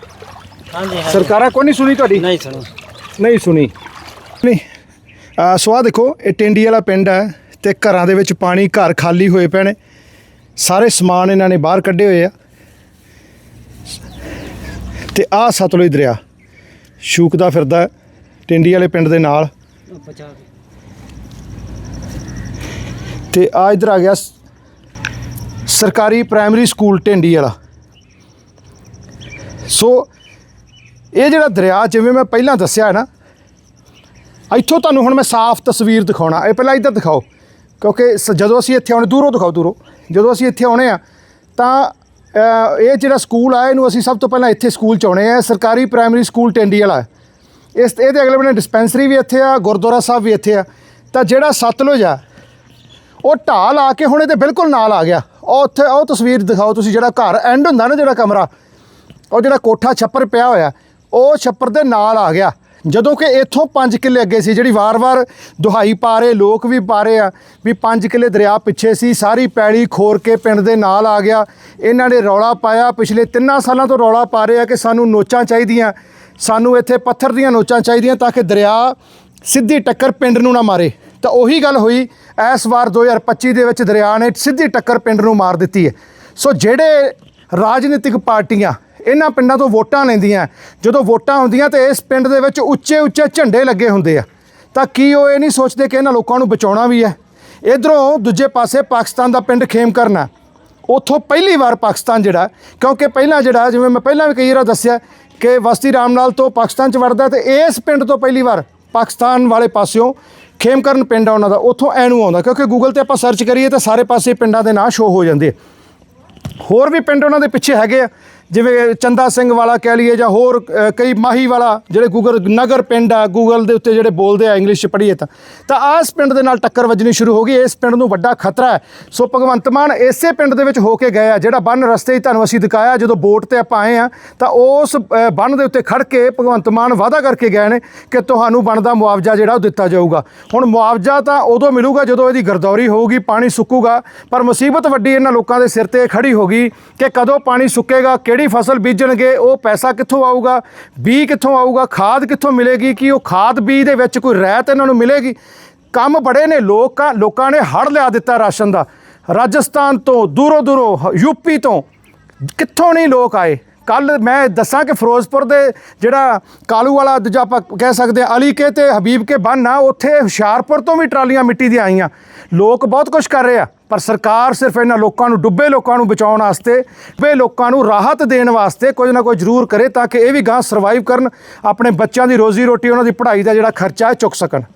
[SPEAKER 8] ਹਾਂਜੀ
[SPEAKER 1] ਸਰਕਾਰਾਂ ਕੋਈ ਨਹੀਂ ਸੁਣੀ ਤੁਹਾਡੀ?
[SPEAKER 8] ਨਹੀਂ ਸੁਣੋ
[SPEAKER 1] ਨਹੀਂ ਸੁਣੀ ਨਹੀਂ। ਅ, ਸੋ ਆਹ ਦੇਖੋ, ਇਹ ਟਿੰਡੀ ਵਾਲਾ ਪਿੰਡ ਹੈ ਤੇ ਘਰਾਂ ਦੇ ਵਿੱਚ ਪਾਣੀ, ਘਰ ਖਾਲੀ ਹੋਏ ਪਏ ਨੇ, ਸਾਰੇ ਸਮਾਨ ਇਹਨਾਂ ਨੇ ਬਾਹਰ ਕੱਢੇ ਹੋਏ ਆ। ਤੇ ਆਹ ਸਤਲੁਜ ਦਰਿਆ ਸ਼ੂਕਦਾ ਫਿਰਦਾ ਹੈ ਟਿੰਡੀ ਵਾਲੇ ਪਿੰਡ ਦੇ ਨਾਲ। ਤੇ ਆ ਇੱਧਰ ਆ ਗਿਆ ਸ- ਸਰਕਾਰੀ ਪ੍ਰਾਇਮਰੀ ਸਕੂਲ ਟਿੰਡੀ ਵਾਲਾ। ਸੋ ਇਹ ਜਿਹੜਾ ਦਰਿਆ, ਜਿਵੇਂ ਮੈਂ ਪਹਿਲਾਂ ਦੱਸਿਆ ਹੈ ਨਾ, ਇੱਥੋਂ ਤੁਹਾਨੂੰ ਹੁਣ ਮੈਂ ਸਾਫ਼ ਤਸਵੀਰ ਦਿਖਾਉਣਾ। ਇਹ ਪਹਿਲਾਂ ਇੱਧਰ ਦਿਖਾਓ, ਕਿਉਂਕਿ ਸ- ਜਦੋਂ ਅਸੀਂ ਇੱਥੇ ਆਉਣੇ, ਦੂਰੋਂ ਦਿਖਾਓ ਦੂਰੋਂ, ਜਦੋਂ ਅਸੀਂ ਇੱਥੇ ਆਉਣੇ ਆ ਤਾਂ ਅ, ਇਹ ਜਿਹੜਾ ਸਕੂਲ ਆ ਇਹਨੂੰ ਅਸੀਂ ਸਭ ਤੋਂ ਪਹਿਲਾਂ ਇੱਥੇ ਸਕੂਲ 'ਚ ਆਉਣੇ ਆ। ਸਰਕਾਰੀ ਪ੍ਰਾਇਮਰੀ ਸਕੂਲ ਟਿੰਡੀ ਵਾਲਾ ਹੈ। ਇਸ ਇਹਦੇ ਅਗਲੇ ਬੰਨੇ ਡਿਸਪੈਂਸਰੀ ਵੀ ਇੱਥੇ ਆ, ਗੁਰਦੁਆਰਾ ਸਾਹਿਬ ਵੀ ਇੱਥੇ ਆ। ਤਾਂ ਜਿਹੜਾ ਸਤਲੁਜ ਆ ਉਹ ਢਾਲ ਆ ਕੇ ਹੁਣ ਇਹਦੇ ਬਿਲਕੁਲ ਨਾਲ ਆ ਗਿਆ। ਉਹ ਉੱਥੇ ਉਹ ਤਸਵੀਰ ਦਿਖਾਓ ਤੁਸੀਂ, ਜਿਹੜਾ ਘਰ ਐਂਡ ਹੁੰਦਾ ਨਾ, ਜਿਹੜਾ ਕਮਰਾ, ਉਹ ਜਿਹੜਾ ਕੋਠਾ ਛੱਪਰ ਪਿਆ ਹੋਇਆ, ਉਹ ਛੱਪਰ ਦੇ ਨਾਲ ਆ ਗਿਆ। ਜਦੋਂ ਕਿ ਇੱਥੋਂ ਪੰਜ ਕਿੱਲੇ ਅੱਗੇ ਸੀ, ਜਿਹੜੀ ਵਾਰ-ਵਾਰ ਦੁਹਾਈ ਪਾ ਰਹੇ ਲੋਕ ਵੀ ਪਾ ਰਹੇ ਆ ਵੀ ਪੰਜ ਕਿੱਲੇ ਦਰਿਆ ਪਿੱਛੇ ਸੀ, ਸਾਰੀ ਪੈਲੀ ਖੋਰ ਕੇ ਪਿੰਡ ਦੇ ਨਾਲ ਆ ਗਿਆ। ਇਹਨਾਂ ਨੇ ਰੌਲਾ ਪਾਇਆ, ਪਿਛਲੇ ਤਿੰਨਾਂ ਸਾਲਾਂ ਤੋਂ ਰੌਲਾ ਪਾ ਰਹੇ ਆ ਕਿ ਸਾਨੂੰ ਨੋਚਾਂ ਚਾਹੀਦੀਆਂ, ਸਾਨੂੰ ਇੱਥੇ ਪੱਥਰ ਦੀਆਂ ਨੋਚਾਂ ਚਾਹੀਦੀਆਂ ਤਾਂ ਕਿ ਦਰਿਆ ਸਿੱਧੀ ਟੱਕਰ ਪਿੰਡ ਨੂੰ ਨਾ ਮਾਰੇ। ਤਾਂ ਉਹੀ ਗੱਲ ਹੋਈ ਇਸ ਵਾਰ ਦੋ ਹਜ਼ਾਰ ਪੱਚੀ ਦੇ ਵਿੱਚ ਦਰਿਆ ਨੇ ਸਿੱਧੀ ਟੱਕਰ ਪਿੰਡ ਨੂੰ ਮਾਰ ਦਿੱਤੀ ਹੈ। ਸੋ ਜਿਹੜੇ ਰਾਜਨੀਤਿਕ ਪਾਰਟੀਆਂ ਇਹਨਾਂ ਪਿੰਡਾਂ ਤੋਂ ਵੋਟਾਂ ਲੈਂਦੀਆਂ, ਜਦੋਂ ਵੋਟਾਂ ਹੁੰਦੀਆਂ ਤੇ ਇਸ ਪਿੰਡ ਦੇ ਵਿੱਚ ਉੱਚੇ ਉੱਚੇ ਝੰਡੇ ਲੱਗੇ ਹੁੰਦੇ ਆ, ਤਾਂ ਕੀ ਉਹ ਇਹ ਨਹੀਂ ਸੋਚਦੇ ਕਿ ਇਹਨਾਂ ਲੋਕਾਂ ਨੂੰ ਬਚਾਉਣਾ ਵੀ ਹੈ? ਇੱਧਰੋਂ ਦੂਜੇ ਪਾਸੇ ਪਾਕਿਸਤਾਨ ਦਾ ਪਿੰਡ ਖੇਮ ਕਰਨਾ, ਉੱਥੋਂ ਪਹਿਲੀ ਵਾਰ ਪਾਕਿਸਤਾਨ ਜਿਹੜਾ, ਕਿਉਂਕਿ ਪਹਿਲਾਂ ਜਿਹੜਾ ਜਿਵੇਂ ਮੈਂ ਪਹਿਲਾਂ ਵੀ ਕਈ ਵਾਰ ਦੱਸਿਆ ਕਿ ਵਸਤੀ ਰਾਮ ਨਾਲ ਤੋਂ ਪਾਕਿਸਤਾਨ 'ਚ ਵੜਦਾ, ਤੇ ਇਸ ਪਿੰਡ ਤੋਂ ਪਹਿਲੀ ਵਾਰ ਪਾਕਿਸਤਾਨ ਵਾਲੇ ਪਾਸਿਓਂ ਖੇਮਕਰਨ ਪਿੰਡ ਆ ਉਹਨਾਂ ਦਾ, ਉੱਥੋਂ ਐਨੂੰ ਆਉਂਦਾ। ਕਿਉਂਕਿ ਗੂਗਲ 'ਤੇ ਆਪਾਂ ਸਰਚ ਕਰੀਏ ਤਾਂ ਸਾਰੇ ਪਾਸੇ ਪਿੰਡਾਂ ਦੇ ਨਾਂ ਸ਼ੋ ਹੋ ਜਾਂਦੇ। ਹੋਰ ਵੀ ਪਿੰਡ ਉਹਨਾਂ ਦੇ ਪਿੱਛੇ ਹੈਗੇ ਆ, ਜਿਵੇਂ ਚੰਦਾ ਸਿੰਘ ਵਾਲਾ ਕਹਿ ਲਈਏ, ਜਾਂ ਹੋਰ ਅ, ਕਈ ਮਾਹੀ ਵਾਲਾ, ਜਿਹੜੇ ਗੂਗਲ ਨਗਰ ਪਿੰਡ ਆ, ਗੂਗਲ ਦੇ ਉੱਤੇ ਜਿਹੜੇ ਬੋਲਦੇ ਆ ਇੰਗਲਿਸ਼ 'ਚ ਪੜ੍ਹੀਏ ਤਾਂ ਤਾਂ ਆਹ ਇਸ ਪਿੰਡ ਦੇ ਨਾਲ ਟੱਕਰ ਵੱਜਣੀ ਸ਼ੁਰੂ ਹੋ ਗਈ। ਇਸ ਪਿੰਡ ਨੂੰ ਵੱਡਾ ਖਤਰਾ ਹੈ। ਸੋ ਭਗਵੰਤ ਮਾਨ ਇਸੇ ਪਿੰਡ ਦੇ ਵਿੱਚ ਹੋ ਕੇ ਗਏ ਆ, ਜਿਹੜਾ ਬੰਨ ਰਸਤੇ 'ਚ ਤੁਹਾਨੂੰ ਅਸੀਂ ਦਿਖਾਇਆ। ਜਦੋਂ ਬੋਟ ਤੇ ਆਪਾਂ ਆਏ ਆ ਤਾਂ ਉਸ ਅ, ਬੰਨ ਦੇ ਉੱਤੇ ਖੜ ਕੇ ਭਗਵੰਤ ਮਾਨ ਵਾਅਦਾ ਕਰਕੇ ਗਏ ਨੇ ਕਿ ਤੁਹਾਨੂੰ ਬਣਦਾ ਮੁਆਵਜ਼ਾ ਜਿਹੜਾ ਉਹ ਦਿੱਤਾ ਜਾਊਗਾ। ਹੁਣ ਮੁਆਵਜ਼ਾ ਤਾਂ ਉਦੋਂ ਮਿਲੂਗਾ ਜਦੋਂ ਇਹਦੀ ਗਰਦੌਰੀ ਹੋਊਗੀ, ਪਾਣੀ ਸੁੱਕੂਗਾ। ਪਰ ਮੁਸੀਬਤ ਵੱਡੀ ਇਹਨਾਂ ਲੋਕਾਂ ਦੇ ਸਿਰ ਤੇ ਖੜੀ ਹੋ ਗਈ ਕਿ ਕਦੋਂ ਪਾਣੀ ਸੁੱਕੇਗਾ, ਕਿਹੜੀ ਫਸਲ ਬੀਜਣਗੇ, ਉਹ ਪੈਸਾ ਕਿੱਥੋਂ ਆਊਗਾ, ਬੀਜ ਕਿੱਥੋਂ ਆਊਗਾ, ਖਾਦ ਕਿੱਥੋਂ ਮਿਲੇਗੀ, ਕਿ ਉਹ ਖਾਦ ਬੀਜ ਦੇ ਵਿੱਚ ਕੋਈ ਰਹਿਤ ਇਹਨਾਂ ਨੂੰ ਮਿਲੇਗੀ। ਕੰਮ ਬੜੇ ਨੇ। ਲੋਕਾਂ ਲੋਕਾਂ ਨੇ ਹੜ੍ਹ ਲਿਆ ਦਿੱਤਾ ਰਾਸ਼ਨ ਦਾ। ਰਾਜਸਥਾਨ ਤੋਂ, ਦੂਰੋਂ ਦੂਰੋਂ, ਯੂਪੀ ਤੋਂ, ਕਿੱਥੋਂ ਨਹੀਂ ਲੋਕ ਆਏ ਕੱਲ ਮੈਂ ਦੱਸਾਂ ਕਿ ਫਿਰੋਜ਼ਪੁਰ ਦੇ ਜਿਹੜਾ ਕਾਲੂ ਵਾਲਾ ਦੂਜਾ ਆਪਾਂ ਕਹਿ ਸਕਦੇ ਹਾਂ ਅਲੀ ਕੇ ਤੇ ਹਬੀਬ ਕੇ ਬੰਨ ਆ, ਉੱਥੇ ਹੁਸ਼ਿਆਰਪੁਰ ਤੋਂ ਵੀ ਟਰਾਲੀਆਂ ਮਿੱਟੀ ਦੀਆਂ ਆਈਆਂ। ਲੋਕ ਬਹੁਤ ਕੁਝ ਕਰ ਰਹੇ ਆ, ਪਰ ਸਰਕਾਰ ਸਿਰਫ ਇਹਨਾਂ ਲੋਕਾਂ ਨੂੰ, ਡੁੱਬੇ ਲੋਕਾਂ ਨੂੰ ਬਚਾਉਣ ਵਾਸਤੇ, ਡੁੱਬੇ ਲੋਕਾਂ ਨੂੰ ਰਾਹਤ ਦੇਣ ਵਾਸਤੇ ਕੁਝ ਨਾ ਕੁਝ ਜ਼ਰੂਰ ਕਰੇ ਤਾਂ ਕਿ ਇਹ ਵੀ ਗਾਂ ਸਰਵਾਈਵ ਕਰਨ, ਆਪਣੇ ਬੱਚਿਆਂ ਦੀ ਰੋਜ਼ੀ ਰੋਟੀ, ਉਹਨਾਂ ਦੀ ਪੜ੍ਹਾਈ ਦਾ ਜਿਹੜਾ ਖਰਚਾ ਹੈ ਚੁੱਕ ਸਕਣ।